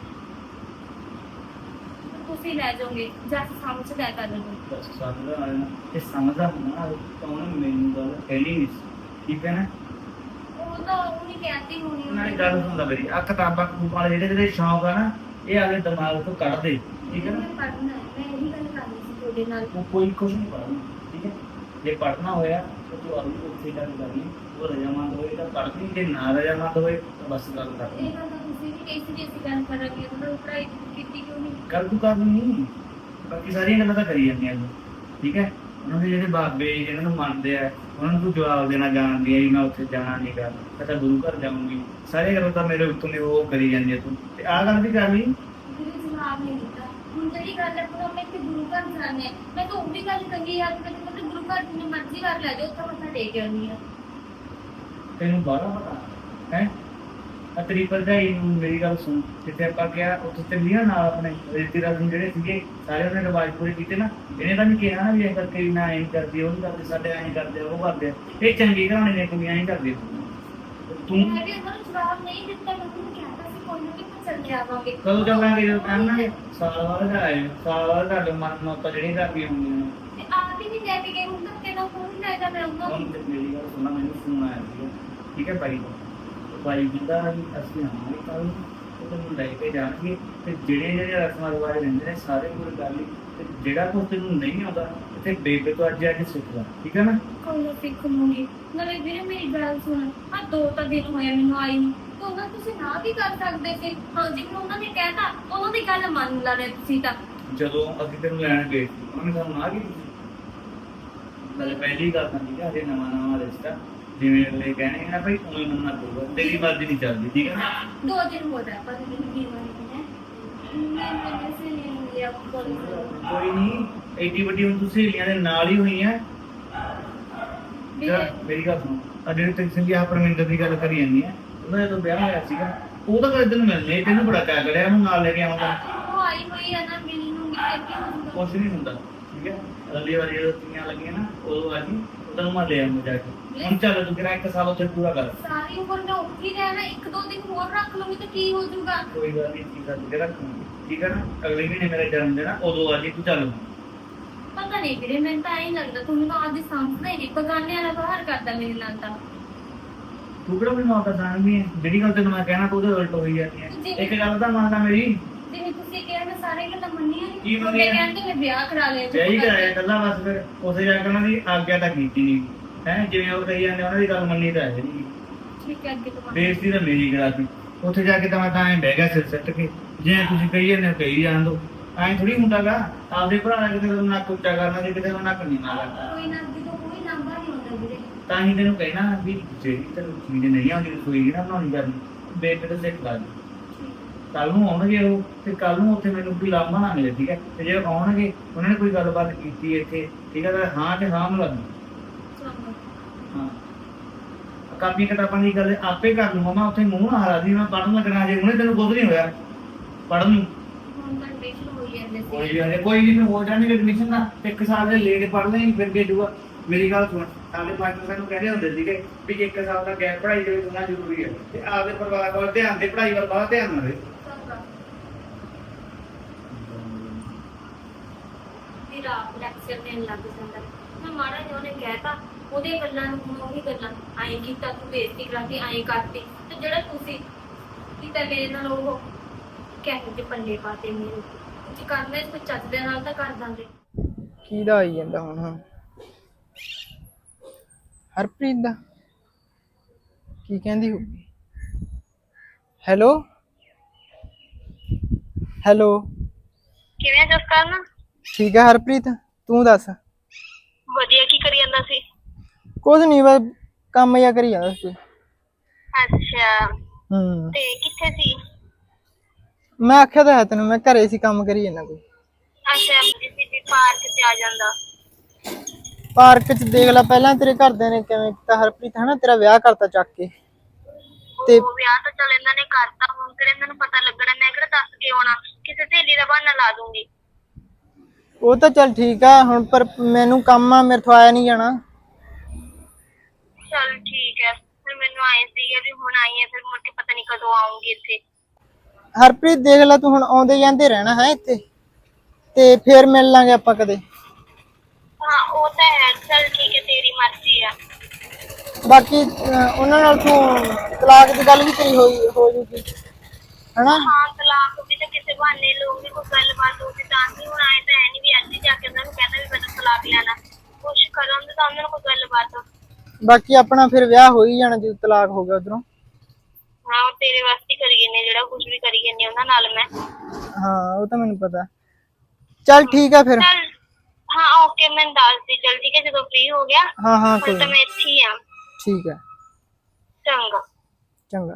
ਤੁਸੀਂ ਲੈ ਜਾਓਗੇ ਜਾਂ ਸਮਝ ਲੈ ਕਰ ਲਓਗੇ ਬਸ ਸਮਝਦਾ ਆ ਨਾ, ਇਹ ਸਮਝਦਾ ਹੁੰਦਾ ਨਾ ਤਾਂ ਉਹਨੇ ਮੈਨੂੰ ਗੱਲ ਕਹਿਣੀ ਨਹੀਂ ਸੀ, ਠੀਕ ਹੈ ਨਾ? ਉਹ ਤਾਂ ਉਹ ਨਹੀਂ ਕਹਿੰਦੀ ਹੋਣੀ ਉਹਨਾਂ ਨੇ ਗੱਲ ਸੁਣਦਾ ਮੇਰੀ, ਆ ਕਿਤਾਬਾਂ ਕੂਪਾਂ ਵਾਲੇ ਜਿਹੜੇ ਜਿਹੜੇ ਸ਼ੌਂਕ ਆ ਨਾ, ਇਹ ਆਗੇ ਦਿਮਾਗ ਤੋਂ ਕੱਢ ਦੇ, ਠੀਕ ਹੈ ਨਾ? ਮੈਂ ਪੜ੍ਹਨਾ ਹੈ, ਮੈਂ ਇਹੀ ਗੱਲ ਕਰਨੀ ਸੀ ਤੁਹਾਡੇ ਨਾਲ ਉਹ ਕੋਈ ਕੁਝ ਨਹੀਂ ਪੜ੍ਹਨਾ, ਠੀਕ ਹੈ? ਜੇ ਪੜ੍ਹਨਾ ਹੋਇਆ ਤਾਂ ਤੂੰ ਆਲੂ ਉੱਥੇ ਗੱਲ ਕਰਨੀ, ਉਹ ਰਜਾਮੰਦ ਹੋਏ ਤਾਂ ਪੜ੍ਹਨੀ, ਜੇ ਨਾ ਰਜਾਮੰਦ ਹੋਏ ਤਾਂ ਬਸ ਗੱਲ ਕਰਨੀ। ਇਹ ਗੱਲ ਤਾਂ ਤੁਸੀਂ ਵੀ ਕਿਸੇ ਦੀ ਅਸੀਂ ਗੱਲ ਕਰਾਂਗੇ ਉਹਨਾਂ ਪੜ੍ਹਾਈ ਕੀਤੀ ਕਿਉਂ ਨਹੀਂ ਗੱਲ ਤੂੰ ਕਰਨੀ ਨਹੀਂ, ਬਾਕੀ ਸਾਰੀਆਂ ਗੱਲਾਂ ਤਾਂ ਕਰੀ ਜਾਂਦੀਆਂ ਤੂੰ, ਠੀਕ ਹੈ? ਉਹਨਾਂ ਦੇ ਜਿਹੜੇ ਬਾਬੇ ਜਿਹਨਾਂ ਨੂੰ ਮੰਨਦੇ ਆ ਉਹਨਾਂ ਨੂੰ ਤੂੰ ਜਵਾਬ ਦੇਣਾ ਜਾਣਦੀ ਹੈ, ਮੈਂ ਉੱਥੇ ਜਾਣਾ ਨਹੀਂ ਗਾ, ਮੈਂ ਤਾਂ ਗੁਰੂ ਘਰ ਜਾਊਂਗੀ, ਸਾਰੀਆਂ ਗੱਲਾਂ ਤਾਂ ਮੇਰੇ ਉੱਤੋਂ ਦੀ ਉਹ ਕਰੀ ਜਾਂਦੀ ਹੈ ਤੂੰ, ਤੇ ਆਹ ਗੱਲ ਵੀ ਕਰ ਲਈ। ਮੇਰੇ ਜਵਾਬ ਨਹੀਂ ਦਿੱਤਾ ਹੁਣ ਜਿਹੜੀ ਗੱਲ ਹੈ ਉਹ ਮੈਂ ਕਿ ਗੁਰੂ ਘਰ ਜਾਣੇ ਆ ਮੈਂ ਤਾਂ ਉਹ ਵੀ ਗੱਲ ਕਹੀ ਯਾਰ ਮੈਂ ਤਾਂ ਗੁਰੂ ਘਰ ਜਿੰਨੇ ਮਰਜ਼ੀ ਕਰ ਲੈ ਜਾਓ ਉੱਥੇ ਮੱਥਾ ਟੇਕ ਆਉਣੀ ਆ ਤੈਨੂੰ ਬਾਹਲਾ ਪਤਾ ਹੈ? ਆ ਤੇਰੀ ਭਰਜਾਈ ਨੂੰ ਮੇਰੀ ਗੱਲ ਸੁਣ, ਜਿੱਥੇ ਆਪਾਂ ਗਿਆ ਉੱਥੇ ਚੱਲੀਆਂ ਨਾਲ ਆਪਣੇ ਰਿਸ਼ਤੇ ਰਸਮ ਜਿਹੜੇ ਸੀਗੇ ਸਾਰੇ ਉਹਨੇ ਰਿਵਾਜ ਪੂਰੇ ਕੀਤੇ ਨਾ, ਇਹਨੇ ਤਾਂ ਨਹੀਂ ਕਿਹਾ ਨਾ ਵੀ ਇਹ ਕਰਕੇ ਵੀ ਨਾ ਐਂ ਕਰਦੀ, ਉਹ ਨਹੀਂ ਕਰਦੇ, ਸਾਡੇ ਐਂ ਕਰਦੇ ਆ, ਉਹ ਕਰਦੇ ਆ, ਇਹ ਚੰਗੀ ਘਰਾਣੇ ਦੀਆਂ ਕੁੜੀਆਂ ਐਂ ਕਰਦੀਆਂ। ਤੂੰ ਮੈਂ ਵੀ ਉਹਨਾਂ ਨੂੰ ਜਵਾਬ ਨਹੀਂ ਦਿੱਤਾ ਮੈਂ ਉਹਨੂੰ ਕਹਿੰਦਾ ਸੀ ਕੋਈ ਨਾ ਕਿ ਚੱਲ ਕੇ ਆਵਾਂਗੇ ਕਦੋਂ ਚੱਲਾਂਗੇ? ਜਦੋਂ ਕਹਿਣਾਂਗੇ ਸਾਲ ਬਾਅਦ ਆਏ, ਸਾਲ ਬਾਅਦ ਤੁਹਾਡੇ ਮਨ ਨੂੰ ਆਪਾਂ ਜਿਹੜੀਆਂ ਕਰਦੀਆਂ ਹੁੰਦੀਆਂ। ਤੇ ਆਪ ਹੀ ਨਹੀਂ ਲੈ ਕੇ ਗਏ ਹੁਣ ਤੱਕ ਕਿਹੜਾ ਫੋਨ ਲੈ ਜਾ ਮੈਂ ਉਹਨਾਂ ਹੁਣ ਨੂੰ ਤੇ ਮੇਰੀ ਗੱਲ ਸੁਣਨਾ, ਮੈਨੂੰ ਫੋਨ ਆਇਆ ਸੀਗਾ, ਠੀਕ ਹੈ ਬਾਈ ਦਾ, ਬਾਈ ਕਹਿੰਦਾ ਵੀ ਅਸੀਂ ਆਵਾਂਗੇ ਕੱਲ੍ਹ ਨੂੰ, ਤੇ ਤੈਨੂੰ ਲੈ ਕੇ ਜਾਣਗੇ, ਤੇ ਜਿਹੜੇ ਜਿਹੜੇ ਰਸਮਾਂ ਰਿਵਾਜ ਰਹਿੰਦੇ ਨੇ ਸਾਰੇ ਪੂਰੇ ਕਰ ਲਈ, ਤੇ ਜਿਹੜਾ ਕੁਛ ਤੈਨੂੰ ਨਹੀਂ ਆਉਂਦਾ ਤੇ ਬੇਬੇ ਤੋਂ ਅੱਜ ਅੱਜ ਸਿੱਖ ਲੈ, ਠੀਕ ਹੈ ਨਾ? ਕੋਈ ਨਾ ਸਿੱਖ ਲੂੰਗੀ ਨਾਲੇ ਵੀਰੇ ਮੇਰੀ ਗੱਲ ਸੁਣ ਆ ਦੋ ਤਾਂ ਦਿਨ ਹੋਇਆ ਮੈਨੂੰ ਆਈ ਨੂੰ ਤੇ ਉਹਨਾਂ ਤੁਸੀਂ ਨਾ ਵੀ ਕਰ ਸਕਦੇ ਸੀ ਹਾਂ ਜਿਵੇਂ ਉਹਨਾਂ ਨੇ ਕਹਿਤਾ ਉਹਨਾਂ ਦੀ ਗੱਲ ਮੰਨ ਲੈਣੇ ਤੁਸੀਂ ਤਾਂ ਜਦੋਂ ਅਸੀਂ ਤੈਨੂੰ ਲੈਣ ਗਏ ਉਹਨਾਂ ਨੇ ਸਾਨੂੰ ਨਾ ਕੀਤੀ, ਨਾਲੇ ਪਹਿਲੀ ਗੱਲ ਤਾਂ ਠੀਕ ਹੈ, ਹਜੇ ਨਵਾਂ ਨਵਾਂ ਰਿਸ਼ਤਾ, ਜਿਵੇਂ ਅਗਲੇ ਕਹਿਣਗੇ ਨਾ ਭਾਈ ਉਵੇਂ ਮੰਨਣਾ ਪਊਗਾ, ਤੇਰੀ ਮਰਜ਼ੀ ਨਹੀਂ ਚੱਲਦੀ, ਠੀਕ ਹੈ ਨਾ? ਦੋ ਦਿਨ ਹੋ ਗਿਆ ਪਰ ਮੈਨੂੰ ਕੀ ਹੋਇਆ ਮੈਂ ਮੇਰੇ ਸੇ ਨਹੀਂ ਲਿਆ ਕੋਈ ਕੋਈ ਨਹੀਂ, ਐਡੀ ਵੱਡੀ ਹੁਣ ਤੂੰ ਸਹੇਲੀਆਂ ਦੇ ਨਾਲ ਹੀ ਹੋਈ ਹੈ। ਵੀਰੇ ਮੇਰੀ ਗੱਲ ਸੁਣ, ਆ ਜਿਹੜੇ ਤੈਨੂੰ ਸੰਗੀ ਆ ਪਰਮਿੰਦਰ ਦੀ ਗੱਲ ਕਰੀ ਜਾਂਦੀ ਹੈ, ਉਹਦਾ ਜਦੋਂ ਵਿਆਹ ਹੋਇਆ ਸੀਗਾ ਉਹ ਤਾਂ ਕਦੇ ਤੈਨੂੰ ਮਿਲਣੇ, ਤੈਨੂੰ ਬੜਾ ਕਹਿ ਕੜਿਆ ਉਹਨੂੰ ਨਾਲ ਲੈ ਕੇ ਆਉਂਦਾ, ਉਹ ਆਈ ਹੋਈ ਹੈ ਨਾ ਮਿਲਣ ਨੂੰ ਮਿਲ ਕੇ ਕੁਛ ਨਹੀਂ ਹੁੰਦਾ, ਠੀਕ ਹੈ? ਅਗਲੀ ਵਾਰੀ ਜਦੋਂ ਤੀਆਂ ਲੱਗੀਆਂ ਨਾ ਉਦੋਂ ਆ ਜੀ, ਤੈਨੂੰ ਮੈਂ ਲੈ ਆਉਂਗਾ ਜਾ ਕੇ। ਹੁਣ ਚੱਲ ਤੂੰ ਕਿਰਾ ਇੱਕ ਸਾਲ ਉੱਥੇ ਪੂਰਾ ਕਰ। ਸਾਰੀ ਉਮਰ ਮੈਂ ਉੱਥੇ ਹੀ ਰਹਿਣਾ, ਇੱਕ ਦੋ ਦਿਨ ਹੋਰ ਰੱਖ ਲੂੰਗੀ ਤਾਂ ਕੀ ਹੋ ਜਾਊਗਾ? ਕੋਈ ਗੱਲ ਨਹੀਂ, ਠੀਕ ਆ ਤੂੰ ਰੱਖੂਗੀ, ਠੀਕ ਹੈ ਨਾ। ਅਗਲੇ ਮਹੀਨੇ ਮੇਰਾ ਜਨਮ ਦਿਨ ਆ, ਉਦੋਂ ਆ ਜੀ ਤੂੰ ਚੱਲ। ਪਤਾ ਨਹੀਂ ਵੀਰੇ, ਮੈਨੂੰ ਤਾਂ ਐਂ ਲੱਗਦਾ ਤੂੰ ਮੈਨੂੰ ਆਦੀ ਸਮਝਦਾ ਹੀ ਨਹੀਂ, ਬਗਾਨੇ ਵਾਲਾ ਬਾਹਰ ਕਰਦਾ ਮੇਰੇ ਨਾਲ ਤਾਂ। ਤੂੰ ਕਿਹੜਾ ਮੈਨੂੰ ਆਉਂਦਾ ਜਾਣਦੀ ਹੈ? ਜਿਹੜੀ ਗੱਲ ਤੈਨੂੰ ਮੈਂ ਕਹਿਣਾ ਤੂੰ ਉਹਦੇ ਉਲਟ ਹੋਈ ਜਾਂਦੀ ਹੈ। ਇੱਕ ਗੱਲ ਤਾਂ ਮੰਨਦਾ ਮੇਰੀ, ਜਿਵੇਂ ਤੁਸੀਂ ਕਿਹਾ ਮੈਂ ਸਾਰੇ ਗੱਲਾਂ ਮੰਨੀਆਂ ਕੀ ਨਹੀਂ, ਮੰਨੀਆਂ? ਉਹਨੇ ਕਹਿੰਦੇ ਮੈਂ ਵਿਆਹ ਕਰਾ ਲਿਆ। ਵਿਆਹ ਹੀ ਕਰਾਇਆ ਕੱਲਾ ਬਸ। ਫਿਰ ਉੱਥੇ ਜਾ ਕੇ ਉਹਨਾਂ ਦੀ ਆਗਿਆ ਤਾਂ ਕੀਤੀ ਨਹੀਂ ਹੈ, ਜਿਵੇਂ ਉਹ ਕਹੀ ਜਾਂਦੇ ਉਹਨਾਂ ਦੀ ਗੱਲ ਮੰਨੀ ਤਾਂ ਹੈ ਨਹੀਂ। ਠੀਕ ਹੈ, ਅੱਗੇ ਤੋਂ ਬਾਅਦ ਬੇਇੱਜ਼ਤੀ ਤਾਂ ਮੇਰੀ ਕਰਾਤੀ। ਉੱਥੇ ਜਾ ਕੇ ਤਾਂ ਮੈਂ ਤਾਂ ਐਂ ਬਹਿ ਗਿਆ ਸਿਰ ਸੱਟ ਕੇ, ਜਿਵੇਂ ਤੁਸੀਂ ਕਹੀ ਜਾਂਦੇ ਹੋ ਕਹੀ ਜਾਣ ਦੋ। ਐਂ ਥੋੜੀ ਹੁੰਦਾ ਗਾ, ਆਪਦੇ ਭਰਾ ਨਾਲ ਕਿਤੇ ਨੂੰ ਨੱਕ ਉੱਚਾ ਕਰਨਾ ਤੇ ਕਿਤੇ ਨੂੰ ਨੱਕ ਨੀਵਾਂ ਕਰਨਾ। ਕੋਈ ਨਾ, ਅੱਗੇ ਤੋਂ ਕੋਈ ਨੰਬਰ ਨਹੀਂ ਹੁੰਦਾ ਵੀਰੇ। ਤਾਂ ਹੀ ਤੈਨੂੰ ਕਹਿਣਾ ਵੀ ਜਿਹੜੀ ਤੈਨੂੰ ਚੀਜ਼ ਨਹੀਂ ਆਉਂਦੀ ਰਸੋਈ ਨਾ ਬਣਾਉਣੀ ਕਰਨੀ, ਬੇਬੇ ਤੋਂ ਸਿੱਖ ਲਾ। ਕੱਲ ਨੂੰ ਆਉਣਗੇ ਉਹ, ਤੇ ਕੱਲ ਨੂੰ ਉੱਥੇ ਮੈਨੂੰ ਕੋਈ ਲਾਂਭਾ ਨਾ ਮਿਲੇ, ਠੀਕ ਹੈ। ਤੇ ਜੇ ਆਉਣਗੇ ਉਹਨਾਂ ਨੇ ਕੋਈ ਗੱਲਬਾਤ ਕੀਤੀ ਇੱਥੇ, ਠੀਕ ਹੈ, ਤਾਂ ਹਾਂ ਤੇ ਹਾਂ ਮਿਲਾ ਦੂੰ। ਹਾਂ, ਕਾਪੀ ਕਿਤਾਬਾਂ ਦੀ ਗੱਲ ਆਪੇ ਕਰ ਲੂੰਗਾ ਮੈਂ, ਉੱਥੇ ਮੂੰਹ ਨਾ ਹਰਾ ਦੀ ਮੈਂ ਪੜ੍ਹਨ ਲੱਗਣਾ। ਜੇ ਉਹਨੇ ਤੈਨੂੰ ਕੁਝ ਨਹੀਂ ਹੋਇਆ ਪੜ੍ਹਨ ਨੂੰ, ਹੁਣ ਤਾਂ ਐਡਮਿਸ਼ਨ ਹੋਈ ਜਾਂਦੇ ਸੀ। ਕੋਈ ਗੱਲ ਨੀ, ਕੋਈ ਨਹੀਂ, ਫਿਰ ਹੋ ਜਾਣਗੇ ਐਡਮਿਸ਼ਨ ਦਾ। ਇੱਕ ਸਾਲ ਦੇ ਲੇਟ ਪੜ੍ਹ ਲਈ ਫਿਰ ਕੇ ਜੂਗਾ। ਮੇਰੀ ਗੱਲ ਸੁਣ, ਸਾਡੇ ਮਾਸਟਰ ਸਾਨੂੰ ਕਹਿੰਦੇ ਹੁੰਦੇ ਸੀਗੇ ਵੀ ਇੱਕ ਸਾਲ ਦਾ ਗੈਪ ਪੜ੍ਹਾਈ ਦੇ ਵਿੱਚ ਹੋਣਾ ਜ਼ਰੂਰੀ ਹੈ, ਤੇ ਆਪਦੇ ਪਰਿਵਾਰ ਵੱਲ ਧਿਆਨ ਦੇ, ਪੜ੍ਹਾਈ ਵੱਲ ਬਹੁਤ ਧਿਆਨ ਨਾ ਦੇ। ਫਿਰ ਆਪ ਲੈਕਚਰ ਦੇਣ ਲੱਗ ਜਾਂਦਾ। ਮੈਂ ਮਾੜਾ ਜਿਹਾ ਉਹਨੇ ਕਹਿਤਾ, ਉਹਦੇ ਗੱਲਾਂ ਨੂੰ ਹੁਣ ਉਹੀ ਗੱਲਾਂ, ਐਂ ਕੀਤਾ ਤੂੰ ਬੇਇੱਜ਼ਤੀ ਕਰਾਤੀ, ਐਂ ਕਰਤੀ, ਤੇ ਜਿਹੜਾ ਤੁਸੀਂ ਕੀਤਾ ਮੇਰੇ ਨਾਲ ਉਹ ਕਹਿ ਕੇ ਪੱਲੇ ਪਾਤੇ ਮੇਰੇ। ਜੇ ਕਰਨਾ ਇਸ ਕੋਈ ਚੱਜ ਦੇ ਨਾਲ ਤਾਂ ਕਰ ਦਾਂਗੇ। ਕਿਹਦਾ ਆਈ ਜਾਂਦਾ ਹੁਣ? ਹਾਂ, ਹਰਪ੍ਰੀਤ ਦਾ ਕੀ ਕਹਿੰਦੀ ਹੋਊਗੀ? ਹੈਲੋ ਹੈਲੋ, ਕਿਵੇਂ ਜਸ ਕਰਨ? ਠੀਕ ਹੈ ਹਰਪ੍ਰੀਤ, ਤੂੰ ਦੱਸ? ਵਧੀਆ, ਕੀ ਕਰੀ ਜਾਂਦਾ ਸੀ? ਕੁਝ ਨਹੀਂ, ਬਸ ਕੰਮ ਜਿਹਾ ਕਰੀ ਜਾਂਦਾ ਸੀ। ਅੱਛਾ, ਹੂੰ, ਤੇ ਕਿੱਥੇ ਸੀ? ਮੈਂ ਆਖਿਆ ਤਾਂ ਹੈ ਤੈਨੂੰ, ਮੈਂ ਘਰੇ ਸੀ, ਕੰਮ ਕਰੀ ਜਾਂਦਾ ਕੋਈ। ਅੱਛਾ, ਜੀ ਪਾਰਕ ਤੇ ਆ ਜਾਂਦਾ। ਪਾਰਕ 'ਚ ਦੇਖ ਲੈ, ਪਹਿਲਾਂ ਤੇਰੇ ਘਰਦਿਆਂ ਨੇ ਕਿਵੇਂ ਕੀਤਾ ਹਰਪ੍ਰੀਤ, ਹਨਾ? ਤੇਰਾ ਵਿਆਹ ਕਰਤਾ ਚੱਕ ਕੇ। ਤੇ ਉਹ ਵਿਆਹ ਤਾਂ ਚੱਲ ਇਹਨਾਂ ਨੇ ਕਰਤਾ, ਹੁਣ ਕਿਹੜੇ ਇਹਨਾਂ ਨੂੰ ਪਤਾ ਲੱਗਣਾ? ਮੈਂ ਕਿਹੜਾ ਦੱਸ ਕੇ ਆਉਣਾ, ਕਿਸੇ ਸਹੇਲੀ ਦਾ ਬਹਾਨਾ ਲਾ ਦੂੰਗੀ। ਉਹ ਤਾਂ ਚੱਲ ਠੀਕ ਆ ਹੁਣ, ਪਰ ਮੈਨੂੰ ਕੰਮ ਆ, ਮੇਰੇ ਤੋਂ ਆਇਆ ਨਹੀਂ ਜਾਣਾ। ਚੱਲ ਠੀਕ ਹੈ, ਫਿਰ ਮੈਨੂੰ ਆਏ ਸੀਗੇ ਵੀ ਹੁਣ ਆਈ ਹੈ, ਫਿਰ ਮੁੜ ਕੇ ਪਤਾ ਨਹੀਂ ਕਦੋਂ ਆਉਂਗੀ ਇੱਥੇ। ਹਰਪ੍ਰੀਤ ਦੇਖ ਲੈ, ਤੂੰ ਹੁਣ ਆਉਂਦੇ ਜਾਂਦੇ ਰਹਿਣਾ ਹੈ ਇੱਥੇ, ਤੇ ਫੇਰ ਮਿਲ ਲਾਂਗੇ ਆਪਾਂ ਕਦੇ। ਹਾਂ ਉਹ ਤਾਂ ਹੈ, ਚੱਲ ਠੀਕ ਹੈ, ਤੇਰੀ ਮਰਜ਼ੀ ਆ। ਬਾਕੀ ਅਹ, ਉਹਨਾਂ ਨਾਲ ਤੂੰ ਤਲਾਕ ਦੀ ਗੱਲ ਵੀ ਤੇਰੀ ਹੋਈ ਹੋ ਜੂਗੀ, ਹਨਾ? ਹਾਂ ਤਲਾਕ ਵੀ ਤਾਂ ਕਿਸੇ ਬਹਾਨੇ ਲੋਕ ਵੀ ਕੋਈ ਗੱਲਬਾਤ ਹੋਊਗੀ ਤਾਂ ਹੀ। ਹੁਣ ਆਏ ਤਾਂ ਹੈ ਨੀ ਵੀ ਅੱਜ ਹੀ ਜਾ ਕੇ ਉਹਨਾਂ ਨੂੰ ਕਹਿੰਦਾ ਵੀ ਮੈਨੂੰ ਤਲਾਕ ਲੈਣਾ, ਕੁਛ ਕਰਨ ਤਾਂ ਉਹਨਾਂ ਨੂੰ ਕੋਈ ਗੱਲਬਾਤ। ਬਾਕੀ ਆਪਣਾ ਫਿਰ ਵਿਆਹ ਹੋ ਹੀ ਜਾਣਾ ਜਦੋਂ ਤਲਾਕ ਹੋ ਗਿਆ ਉਧਰੋਂ। ਹਾਂ ਉਹ ਤੇਰੇ ਵਾਸਤੇ ਕਰੀ ਜਾਂਦੇ, ਜਿਹੜਾ ਕੁਝ ਵੀ ਕਰੀ ਜਾਂਦੇ ਉਹਨਾਂ ਨਾਲ ਮੈਂ। ਹਾਂ ਉਹ ਤਾਂ ਮੈਨੂੰ ਪਤਾ। ਚੱਲ ਠੀਕ ਆ ਫਿਰ। ਚੱਲ ਹਾਂ ਓਕੇ, ਮੈਨੂੰ ਦੱਸ ਦੀ ਚੱਲ, ਠੀਕ ਹੈ, ਜਦੋਂ ਫ੍ਰੀ ਹੋ ਗਿਆ। ਹਾਂ ਹਾਂ ਹੁਣ ਕੋਈ ਤਾਂ ਮੈਂ ਇੱਥੇ ਹੀ ਆ। ਠੀਕ ਹੈ, ਚੰਗਾ ਚੰਗਾ।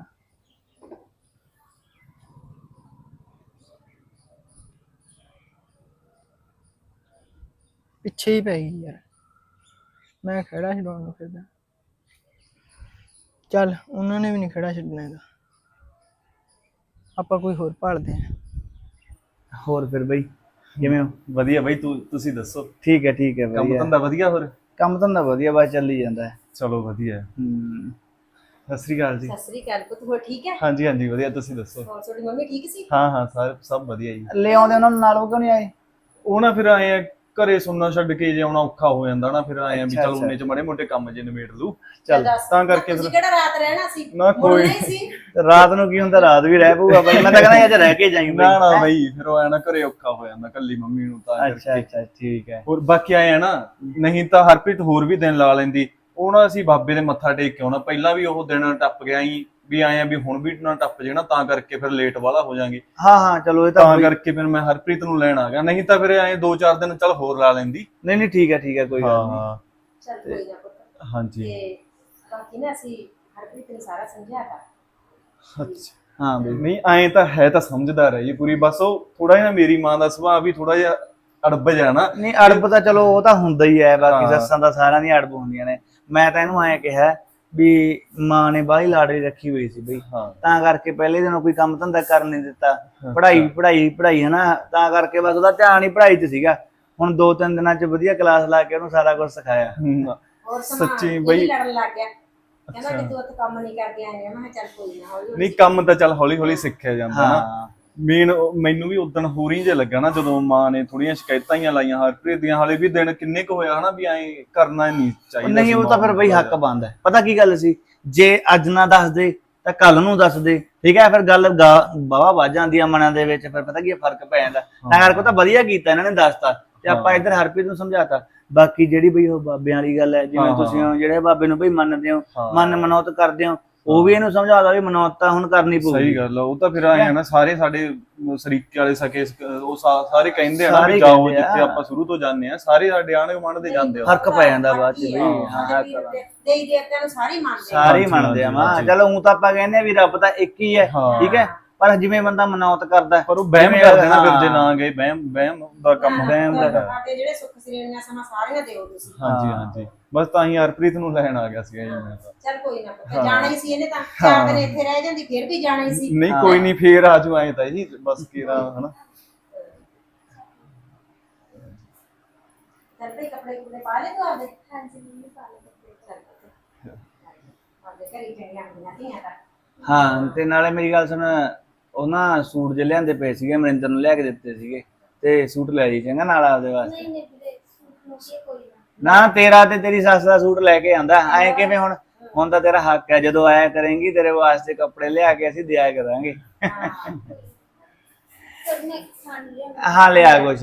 ਪਿੱਛੇ ਹੀ ਪੈ ਗਈ ਯਾਰ, ਮੈਂ ਖੜਾ ਛਡਾਉਣ ਨੂੰ ਫਿਰਦਾ। ਚੱਲ ਉਹਨਾਂ ਨੇ ਵੀ ਨਹੀਂ ਖੜਾ ਛੱਡਣਾ ਹੈਗਾ, ਆਪਾਂ ਕੋਈ ਹੋਰ ਭਾਲਦੇ ਆਂ। ਹੋਰ ਫਿਰ ਬਈ ਕਿਵੇਂ ਹੋ? ਵਧੀਆ ਬਾਈ, ਤੂੰ ਤੁਸੀਂ ਦੱਸੋ? ਠੀਕ ਹੈ ਠੀਕ ਹੈ, ਕੰਮ ਵਧੀਆ। ਧੰਦਾ ਵਧੀਆ? ਹੋਰ ਕੰਮ ਧੰਦਾ ਵਧੀਆ, ਬਸ ਚੱਲੀ ਜਾਂਦਾ ਹੈ। ਚਲੋ ਵਧੀਆ। ਹੂੰ, ਸਤਿ ਸ੍ਰੀ ਅਕਾਲ ਜੀ। ਸਤਿ ਸ੍ਰੀ ਅਕਾਲ ਪੁੱਤ, ਹੋਰ ਠੀਕ ਹੈ? ਹਾਂਜੀ ਹਾਂਜੀ ਵਧੀਆ, ਤੁਸੀਂ ਦੱਸੋ? ਹੋਰ ਤੁਹਾਡੀ ਮੰਮੀ ਠੀਕ ਸੀ? ਹਾਂ ਹਾਂ ਸਾਰੇ ਸਭ ਵਧੀਆ ਜੀ। ਲੈ ਆਉਂਦੇ ਉਹਨਾਂ ਨੂੰ ਨਾਲ, ਉਹ ਕਿਉਂ ਨਹੀਂ ਆਏ? ਉਹ ਨਾ ਫਿਰ ਆਏ ਆ, ਘਰੇ ਸੁਣਨਾ ਛੱਡ ਕੇ ਜੇ ਆਉਣਾ ਔਖਾ ਹੋ ਜਾਂਦਾ ਨਾ, ਫਿਰ ਆਏ ਆ ਵੀ ਅੱਛਾ, ਚਲ ਅੱਛਾ। ਉਹਨੇ ਚ ਮਾੜੇ ਮੋਟੇ ਕੰਮ ਜੇ ਨਿਬੇੜ ਲੂ। ਚੱਲ ਦੱਸ, ਤਾਂ ਕਰਕੇ ਤੁਸੀਂ ਫਿਰ- ਕਿਹੜਾ ਰਾਤ ਰਹਿਣਾ ਸੀ? ਨਾ ਕੋਈ ਮੁੜਨਾ ਹੀ ਸੀ। ਰਾਤ ਨੂੰ ਕੀ ਹੁੰਦਾ, ਰਾਤ ਵੀ ਰਹਿ ਪਊਗਾ ਬਈ। ਮੈਂ ਤਾਂ ਕਹਿੰਦਾ ਅੱਜ ਰਹਿ ਕੇ ਜਾਈਂ ਨਾ ਨਾ ਬਈ। ਬਈ, ਫਿਰ ਉਹ ਆਇਆ ਨਾ ਘਰੇ ਔਖਾ ਹੋ ਜਾਂਦਾ ਕੱਲੀ ਮੰਮੀ ਨੂੰ, ਤਾਂ ਅੱਛਾ ਕਰਕੇ। ਅੱਛਾ ਠੀਕ ਹੈ। ਹੋਰ ਬਾਕੀ ਆਏ ਆ ਨਾ, ਨਹੀਂ ਤਾਂ ਹਰਪ੍ਰੀਤ ਹੋਰ ਵੀ ਦਿਨ ਲਾ ਲੈਂਦੀ। ਉਹ ਨਾ ਅਸੀਂ ਬਾਬੇ ਦੇ ਮੱਥਾ ਟੇਕ ਕੇ ਆਉਣਾ, ਪਹਿਲਾਂ ਵੀ ਉਹ ਦਿਨ ਟੱਪ ਗਿਆ ਹੀ ਵੀ ਆਏ ਆ ਵੀ ਹੁਣ ਵੀ ਨਾ ਟੱਪ ਜੇ ਨਾ, ਤਾਂ ਕਰਕੇ ਫਿਰ ਲੇਟ ਵਾਲਾ ਹੋ ਜਾਾਂਗੇ। ਹਾਂ ਹਾਂ ਚਲੋ, ਇਹ ਤਾਂ ਤਾਂ ਬਈ- ਕਰਕੇ ਫਿਰ ਮੈਂ ਹਰਪ੍ਰੀਤ ਨੂੰ ਲੈਣ ਆ ਗਿਆ, ਨਹੀਂ ਤਾਂ ਫਿਰ ਐਂ ਦੋ ਚਾਰ ਦਿਨ ਚੱਲ ਹੋਰ ਲਾ ਲੈਂਦੀ। ਨਹੀਂ ਨਹੀਂ ਠੀਕ ਹੈ ਠੀਕ ਹੈ, ਕੋਈ ਗੱਲ ਨਹੀਂ। ਹਾਂ ਚੱਲ ਕੋਈ ਨਾ ਪੁੱਤ। ਹਾਂਜੀ। ਤੇ ਬਾਕੀ ਨਾ ਅਸੀਂ ਹਰਪ੍ਰੀਤ ਨੂੰ ਸਾਰਾ ਸਮਝਾਤਾ। ਅੱਛਾ ਹਾਂ ਬਈ। ਨਹੀਂ ਐਂ ਤਾਂ ਹੈ, ਤਾਂ ਸਮਝਦਾਰ ਹੈ ਜੀ ਪੂਰੀ, ਬਸ ਉਹ ਥੋੜਾ ਜਿਹਾ ਮੇਰੀ ਮਾਂ ਦਾ ਸੁਭਾਅ ਵੀ ਥੋੜਾ ਜਿਹਾ ਅੜਬ ਜਾਣਾ। ਨਹੀਂ ਅੜਬ ਤਾਂ ਚਲੋ ਉਹ ਤਾਂ ਹੁੰਦਾ ਹੀ ਹੈ, ਬਾਕੀ ਹਾਂ। ਸੱਸਾਂ ਦਾ ਸਾਰਿਆਂ ਦੀਆਂ ਅੜਬ ਹੁੰਦੀਆਂ ਨੇ। ਮੈਂ ਤਾਂ ਇਹਨੂੰ ਐਂ ਕਿਹਾ ਵੀ ਮਾਂ ਨੇ ਬਾਹਲੀ ਲਾਡਲੀ ਰੱਖੀ ਹੋਈ ਸੀ ਬਈ, ਹਾਂ ਤਾਂ ਕਰਕੇ ਪਹਿਲੇ ਦਿਨੋਂ ਕੋਈ ਕੰਮ ਧੰਦਾ ਕਰਨ ਨਹੀਂ ਦਿੱਤਾ। ਅੱਛਾ। ਪੜ੍ਹਾਈ ਪੜ੍ਹਾਈ ਪੜ੍ਹਾਈ ਹਨਾ, ਤਾਂ ਕਰਕੇ ਬਸ ਉਹਦਾ ਧਿਆਨ ਹੀ ਪੜ੍ਹਾਈ 'ਚ ਸੀਗਾ। ਹੁਣ ਦੋ ਤਿੰਨ ਦਿਨਾਂ 'ਚ ਵਧੀਆ ਕਲਾਸ ਲਾ ਕੇ ਉਹਨੂੰ ਸਾਰਾ ਕੁਝ ਸਿਖਾਇਆ। ਹਮ, ਹੋਰ ਸਮਾਂ ਸੱਚੀ ਇਹ ਬਈ। ਵੀ ਲੜਨ ਲੱਗ ਗਿਆ, ਕਹਿੰਦਾ ਅੱਛਾ। ਕਿ ਤੂੰ ਉੱਥੇ ਕੰਮ ਨਹੀਂ ਕਰਕੇ ਆਇਆ। ਮੈਂ ਕਿਹਾ ਚੱਲ ਕੋਈ ਨਾ, ਹੌਲੀ ਹੌਲੀ ਨਹੀਂ ਕੰਮ ਤਾਂ ਚੱਲ ਹੌਲੀ ਹੌਲੀ ਸਿੱਖਿਆ ਜਾਂਦਾ ਨਾ। ਹਾਂ ਮੇਨ ਮੈਨੂੰ ਵੀ ਉਦੋਂ ਹੋਰੀ ਜੇ ਲੱਗਾ ਨਾ ਜਦੋਂ ਮਾਂ ਨੇ ਥੋੜੀਆਂ ਸ਼ਿਕਾਇਤਾਂ ਹੀ ਲਾਈਆਂ ਹਰਪ੍ਰੀਤ ਦੀਆਂ। ਹਾਲੇ ਵੀ ਦਿਨ ਕਿੰਨੇ ਕੁ ਹੋਇਆ ਹਨਾ ਵੀ ਐਂ ਕਰਨਾ ਨਹੀਂ ਉਹ ਚਾਹੀਦਾ ਨਹੀਂ ਸੀ ਉਹ ਮਾਂ ਤਾਂ ਫਿਰ ਨੂੰ ਬਈ ਥੋੜ੍ਹਾ ਹੱਕ ਜਿਹਾ। ਬਣਦਾ ਹੈ। ਪਤਾ ਕੀ ਗੱਲ ਸੀ, ਜੇ ਅੱਜ ਨਾ ਦੱਸ ਦੇ ਤਾਂ ਕੱਲ ਨੂੰ ਦੱਸ ਦੇ, ਠੀਕ ਹੈ। ਫਿਰ ਗੱਲ ਬਾਵਾ ਵੱਜ ਜਾਂਦੀ ਆ ਮਨਾਂ ਦੇ ਵਿੱਚ, ਫਿਰ ਪਤਾ ਕੀ ਹੈ, ਫਰਕ ਪੈ ਜਾਂਦਾ। ਤਾਂ ਕਰਕੇ ਤਾਂ ਵਧੀਆ ਕੀਤਾ ਇਹਨਾਂ ਨੇ ਦੱਸਤਾ, ਤੇ ਆਪਾਂ ਹਾਂ। ਇੱਧਰ ਹਰਪ੍ਰੀਤ ਨੂੰ ਸਮਝਾਤਾ। ਬਾਕੀ ਜਿਹੜੀ ਬਈ ਉਹ ਬਾਬਿਆਂ ਵਾਲੀ ਗੱਲ ਹੈ, ਜਿਵੇਂ ਹਾਂ, ਤੁਸੀਂ ਹਾਂ। ਜਿਹੜੇ ਬਾਬੇ ਨੂੰ ਬਈ ਮੰਨਦੇ ਹੋ, ਹਾਂ। ਮਨ ਮਨੌਤ ਕਰਦੇ ਹੋ, ਉਹ ਵੀ ਇਹਨੂੰ ਸਮਝਾਦਾ ਵੀ ਮਨੌਤ ਤਾਂ ਹੁਣ ਕਰਨੀ ਪਊਗੀ। ਸਹੀ ਗੱਲ ਆ। ਉਹ ਤਾਂ ਫਿਰ ਆਏ ਆ ਨਾ ਸਾਰੇ ਸਾਡੇ ਸਰੀਕੇ ਵਾਲੇ ਸਕੇ ਉਹ ਸਾ- ਸਾਰੇ ਕਹਿੰਦੇ ਆ ਨਾ ਸਾਰੇ ਵੀ ਜਾਓ ਕਹਿੰਦੇ ਆ। ਜਿੱਥੇ ਆਪਾਂ ਸ਼ੁਰੂ ਤੋਂ ਜਾਂਦੇ ਆ, ਸਾਰੇ ਸਾਡੇ ਆਂਢ ਗੁਆਂਢ ਦੇ ਜਾਂਦੇ ਆ। ਫਰਕ ਪੈ ਜਾਂਦਾ ਬਾਅਦ ਚ ਬਾਕੀ ਬਈ। ਹੈ, ਹਾਂ ਸਾਡੇ ਵੀਰ ਦੇ- ਦੇਈ ਦੇਵਤਿਆਂ ਨੂੰ ਸਾਰੇ ਹੀ ਮੰਨਦੇ ਆ। ਸਾਰੇ ਹੀ ਹਾਂਜੀ, ਮੰਨਦੇ ਆ ਹਾਂਜੀ, ਮਾਂ। ਹਾਂਜੀ। ਚਲੋ ਊਂ ਤਾਂ ਆਪਾਂ ਕਹਿੰਦੇ ਆ ਵੀ ਰੱਬ ਤਾਂ ਇੱਕ ਹੀ ਹੈ, ਹਾਂ। ਠੀਕ ਹੈ। ਪਰ ਜਿਵੇਂ ਬੰਦਾ ਮਨੌਤ ਕਰਦਾ ਪਰ ਉਹ ਵਹਿਮ ਜਿਵੇਂ ਕਰ ਦੇਣਾ ਫਿਰ ਜੇ ਹਾਂ। ਨਾ ਗਏ, ਵਹਿਮ ਵਹਿਮ ਦਾ ਕੰਮ ਵਹਿਮ ਦਾ ਕੰਮ। ਸਾਡੇ ਜਿਹੜੇ ਸੁੱਖ ਸ੍ਰੇਣੀਆਂ ਸਮਾਂ ਸਾਰੀਆਂ ਦਿਓ ਤੁਸੀਂ। ਹਾਂਜੀ ਹਾਂਜੀ ਬਸ ਤਾਂ ਹੀ ਹਰਪ੍ਰੀਤ ਨੂੰ ਲੈਣ ਆ ਗਿਆ ਸੀਗਾ ਜੀ ਮੈਂ ਤਾਂ। ਚੱਲ ਕੋਈ ਨਾ ਪੁੱਤ, ਹਾਂ। ਜਾਣਾ ਹੀ ਸੀ ਇਹਨੇ ਤਾਂ। ਚਾਰ ਦਿਨ ਇੱਥੇ ਰਹਿ ਜਾਂਦੀ ਫਿਰ ਵੀ ਜਾਣਾ ਹੀ ਸੀ। ਨਹੀਂ ਹਾਂ। ਕੋਈ ਨਹੀਂ ਫੇਰ ਆਜੂ ਆਏ ਤਾਂ ਜੀ ਬਸ ਕੀਰਾ ਹਨਾ। ਚੱਲ ਭਈ ਕੱਪੜੇ ਕੁਪੜੇ ਪਾ ਲੈ ਤੂੰ ਆਪਦੇ। ਹਾਂਜੀ ਮੰਮੀ ਪਾ ਲਓ ਕੱਪੜੇ। ਚੱਲ ਆਪਦੇ ਘਰੇ ਚੰਗੀਆਂ ਹੁੰਦੀਆਂ ਧੀਆਂ ਤਾਂ। ਹਾਂ ਤੇ ਨਾਲੇ ਮੇਰੀ ਗੱਲ ਸੁਣ, ਉਹ ਨਾ ਸੂਟ ਜੇ ਲਿਆਂਦੇ ਪਏ ਸੀਗੇ, ਮਨਿੰਦਰ ਨੂੰ ਲੈ ਕੇ ਦਿੱਤੇ ਸੀਗੇ, ਤੇ ਸੂਟ ਲੈ ਜੀ ਚੰਗਾ ਨਾਲ ਆਪਦੇ ਵਾਸਤੇ। ਨਹੀਂ ਨਹੀਂ ਵੀਰੇ ਸੂਟ ਮੋਸ਼ੀ ਕੋਈ ਨਾ। ਨਾ ਤੇਰਾ ਤੇ ਤੇਰੀ ਸੱਸ ਦਾ ਸੂਟ ਲੈ ਕੇ ਆਂਦਾ, ਐ ਕਿਵੇਂ ਹੁਣ? ਹੁਣ ਤਾਂ ਤੇਰਾ ਹੱਕ ਹੈ, ਜਦੋਂ ਆਇਆ ਕਰੇਂਗੀ ਤੇਰੇ ਵਾਸਤੇ ਕੱਪੜੇ ਲਿਆ ਕੇ ਅਸੀਂ ਦਿਆ ਕਰਾਂਗੇ। ਹਾਂ। ਸਭ ਨੇ ਖਾਣ ਲਿਆ। ਹਾਂ ਲਿਆ ਕੁਛ।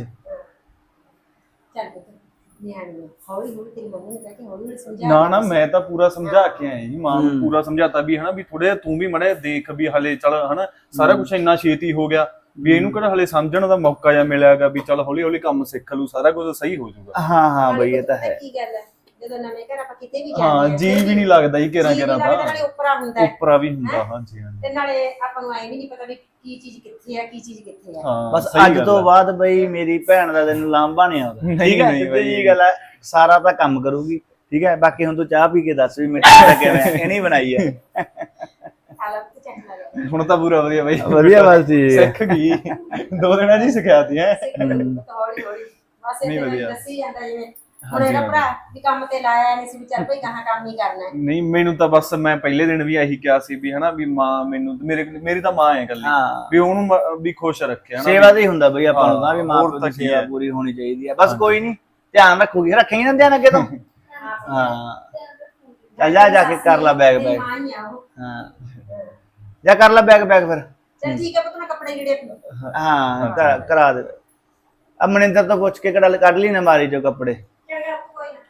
ਚੱਲ ਪੁੱਤ, ਨਿਆਣੀ ਨੂੰ ਹੌਲੀ ਹੌਲੀ ਤੇਰੀ ਮੰਮੀ ਨੇ ਕਹਿ ਕੇ ਹੌਲੀ ਹੌਲੀ ਸਮਝਾ ਨਾ ਨਾ ਦੇ। ਮੈਂ ਤਾਂ ਪੂਰਾ ਸਮਝਾ ਕੇ ਆਇਆ ਜੀ ਮਾਂ ਨੂੰ, ਹੂੰ। ਪੂਰਾ ਸਮਝਾਤਾ ਵੀ ਹਨਾ ਵੀ ਥੋੜੇ ਤੂੰ ਵੀ ਮੜੇ ਦੇਖ ਵੀ ਹਲੇ ਚੱਲ ਹਨਾ ਸਾਰਾ ਕੁਝ ਇੰਨਾ ਛੇਤੀ ਹੋ ਗਿਆ ਵੀ ਇਹਨੂੰ ਕਿਹੜਾ ਹਲੇ ਸਮਝਣ ਦਾ ਮੌਕਾ ਜਾਂ ਮਿਲਿਆਗਾ ਵੀ ਚੱਲ ਹੌਲੀ ਹੌਲੀ ਕੰਮ ਸਿੱਖ ਲੂ, ਸਾਰਾ ਕੁਝ ਸਹੀ ਹੋ ਜਾਊਗਾ। ਹਾਂ ਹਾਂ ਨਾਲੇ ਬਈ ਇਹ ਤਾਂ ਪਤਾ ਹੈ। ਕੀ ਗੱਲ ਹੈ, ਜਦੋਂ ਨਵੇਂ ਘਰ ਆਪਾਂ ਕਿਤੇ ਵੀ ਜਾਂਦੇ ਹਾਂ ਆ, ਜੀ ਫਿਰ ਵੀ ਨਹੀਂ ਲੱਗਦਾ ਜੀ ਘੇਰਾ ਜੀ ਵੀ ਘੇਰਾ ਲੱਗਦਾ, ਤਾਂ ਨਾਲੇ ਉੱਪਰਾ ਹੁੰਦਾ ਹੈ। ਉੱਪਰਾ ਵੀ ਹੁੰਦਾ। ਹਾਂਜੀ ਹਾਂਜੀ ਤੇ ਨਾਲੇ ਆਪਾਂ ਨੂੰ ਐ ਵੀ ਨਹੀਂ ਪਤਾ ਵੀ ਕੀ ਚੀਜ਼ ਕਿੱਥੇ ਆ, ਕੀ ਚੀਜ਼ ਕਿੱਥੇ ਆ। ਹਾਂ ਬਸ ਸਹੀ ਅੱਜ ਗੱਲ ਤੋਂ ਹੈ। ਬਾਅਦ ਬਈ ਮੇਰੀ ਭੈਣ ਦਾ ਤੈਨੂੰ ਲਾਂਭਾ ਨਹੀਂ ਆਉਂਦਾ, ਨਹੀਂ, ਠੀਕ ਹੈ। ਨਹੀਂ ਸਿੱਧੀ ਬਈ। ਜੀ ਗੱਲ ਹੈ, ਸਾਰਾ ਤਾਂ ਕੰਮ ਕਰੂਗੀ, ਠੀਕ ਹੈ। ਬਾਕੀ ਹੁਣ ਤੂੰ ਚਾਹ ਪੀ ਕੇ ਦੱਸ ਵੀ ਮਿੱਠੀ ਦਾ ਕਿਵੇਂ ਹੈ, ਇਹ ਨਹੀਂ ਬਣਾਈ ਹੈ। ਹਾਲਤ ਤੇ ਚੱਕ ਲਿਆ ਹੁਣ ਤਾਂ ਪੂਰਾ ਵਧੀਆ ਬਾਈ, ਵਧੀਆ ਬਸ ਠੀਕ ਹੈ। ਸਿੱਖ ਗਈ ਦੋ ਦਿਨਾਂ ਜੀ ਸਿਖਾਤੀ ਹੈ। ਹੌਲੀ ਹੌਲੀ ਬਸ ਨਹੀਂ ਇਹ ਵਧੀਆ। ਦੱਸੀ ਜਾਂਦਾ ਜਿਵੇਂ ਹੁਣ ਹਾਂਜੀ, ਇਹਦਾ ਹਾਂਜੀ। ਭਰਾ ਵੀ ਕੰਮ ਤੇ ਲਾਇਆ ਨਹੀਂ ਸੀ ਵੀ ਚੱਲ ਭਈ ਕਹਾਂ ਕੰਮ ਹੀ ਕਰਨਾ ਹੈ। ਨਹੀਂ ਮੈਨੂੰ ਤਾਂ ਬਸ ਮੈਂ ਪਹਿਲੇ ਦਿਨ ਵੀ ਇਹੀ ਕਿਹਾ ਸੀ ਵੀ ਹਨਾ ਵੀ ਮਾਂ ਮੈਨੂੰ ਮੇਰੇ ਮੇਰੀ ਤਾਂ ਮਾਂ ਹੈ ਇਕੱਲੀ ਹਾਂ ਵੀ ਉਹਨੂੰ ਮ- ਵੀ ਖੁਸ਼ ਰੱਖਿਆ ਹਨਾ ਸੇਵਾ ਵੀ- ਤੇ ਹੀ ਹੁੰਦਾ ਬਈ ਆਪਾਂ ਨੂੰ ਤਾਂ, ਵੀ ਹਾਂ, ਮਾਂ ਹੋਰ ਪਿਓ ਤਾਂ ਦੀ ਕੀ ਸੇਵਾ ਹੈ। ਪੂਰੀ ਹੋਣੀ ਚਾਹੀਦੀ ਹੈ। ਬਸ ਕੋਈ ਨਹੀਂ, ਧਿਆਨ ਰੱਖੂਗੀ, ਰੱਖੇਂਗੀ ਨਾ ਧਿਆਨ ਅੱਗੇ ਤੋਂ। ਹਾਂ ਚੱਲ ਜਾ ਜਾ ਕੇ ਕਰ ਲੈ ਬੈਗ ਮੇਰੀ ਬੈਗ। ਮਾਂ ਹੀ ਆ ਉਹ। ਹਾਂ ਜਾ ਕਰ ਲੈ ਬੈਗ ਬੈਗ ਫਿਰ। ਚੱਲ ਠੀਕ ਹੈ ਪੁੱਤ, ਮੈਂ ਕੱਪੜੇ ਜਿਹੜੇ ਹਾਂ ਕਰਾ- ਕਰਾ ਦੇ। ਅਬ ਮਨਿੰਦਰ ਤੋਂ ਪੁੱਛ ਕੇ ਕੜਾ ਕੱਢ ਲਈ ਨਾ ਮਾਰੀ ਜੋ ਕੱਪੜੇ। ਚੰਗਾ ਕੋਈ ਨਾ।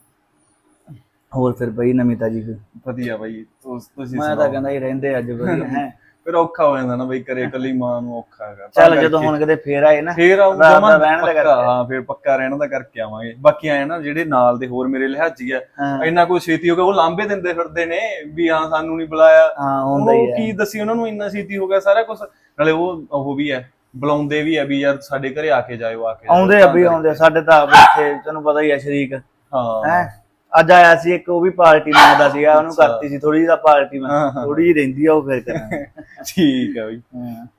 ਹੋਰ ਫਿਰ ਬਈ ਨਵੀਂ ਤਾਜੀ ਕੋਈ? ਵਧੀਆ ਬਾਈ ਤੁਸ- ਤੁਸੀਂ ਮੈਂ ਤਾਂ ਸੁਣਾਓ। ਕਹਿੰਦਾ ਹੀ ਰਹਿੰਦੇ ਅੱਜ ਵਧੀਆ ਹੈ। ਫਿਰ ਔਖਾ ਹੋ ਜਾਂਦਾ ਨਾ ਬਈ ਘਰੇ ਇਕੱਲੀ ਮਾਂ ਨੂੰ ਔਖਾ ਹੈਗਾ ਤਾਂ ਚੱਲ ਜਦੋਂ ਕਰਕੇ। ਹੁਣ ਕਿਤੇ ਫੇਰ ਆਏ ਨਾ ਫੇਰ ਆਉਂ ਰਾਤ ਜਮਾਂ ਦਾ ਰਹਿਣ ਦਾ ਪੱਕਾ, ਕਰਕੇ। ਹਾਂ ਫਿਰ ਪੱਕਾ ਰਹਿਣ ਦਾ ਕਰਕੇ ਆਵਾਂਗੇ। ਬਾਕੀ ਆਏ ਨਾ ਜਿਹੜੇ ਨਾਲ ਦੇ ਹੋਰ ਮੇਰੇ ਲਿਹਾਜੀ ਆ ਹਾਂ। ਇੰਨਾ ਕੋਈ ਛੇਤੀ ਹੋ ਗਿਆ, ਉਹ ਲਾਂਭੇ ਦਿੰਦੇ ਫਿਰਦੇ ਨੇ ਵੀ ਹਾਂ ਸਾਨੂੰ ਨਹੀਂ ਬੁਲਾਇਆ। ਹਾਂ ਹੁੰਦਾ ਹੀ ਉਹ ਹੈ। ਕੀ ਦੱਸੀ ਉਹਨਾਂ ਨੂੰ ਇੰਨਾ ਛੇਤੀ ਹੋ ਗਿਆ ਸਾਰਾ ਕੁਝ। ਨਾਲੇ ਉਹ ਉਹ ਵੀ ਹੈ ਬੁਲਾਉਂਦੇ ਵੀ ਆ ਵੀ ਯਾਰ ਸਾਡੇ ਘਰੇ ਆ ਕੇ ਜਾਇਓ, ਆ ਕੇ ਜਾਇਓ। ਆਉਂਦੇ ਆ ਤਾਂ ਬਈ ਕਰਕੇ। ਆਉਂਦੇ ਆ। ਸਾਡੇ ਤਾਂ ਆਪ ਇੱਥੇ ਤੈਨੂੰ ਪਤਾ ਹੀ ਆ ਸ਼ਰੀਕ ਹਾਂ ਹੈ। ਅੱਜ ਆਇਆ ਸੀ ਇੱਕ, ਉਹ ਵੀ ਪਾਰਟੀ ਮੰਗਦਾ ਸੀਗਾ, ਉਹਨੂੰ ਅੱਛਾ। ਕਰਤੀ ਸੀ ਥੋੜੀ ਜਿਹੀ ਪਾਰਟੀ ਮੈਂ ਹਾਂ, ਹਾਂ। ਥੋੜੀ ਜਿਹੀ ਰਹਿੰਦੀ ਆ ਉਹ ਫਿਰ ਕਰਾਂਗੇ। ਠੀਕ ਹੈ ਬਈ। ਹਾਂ।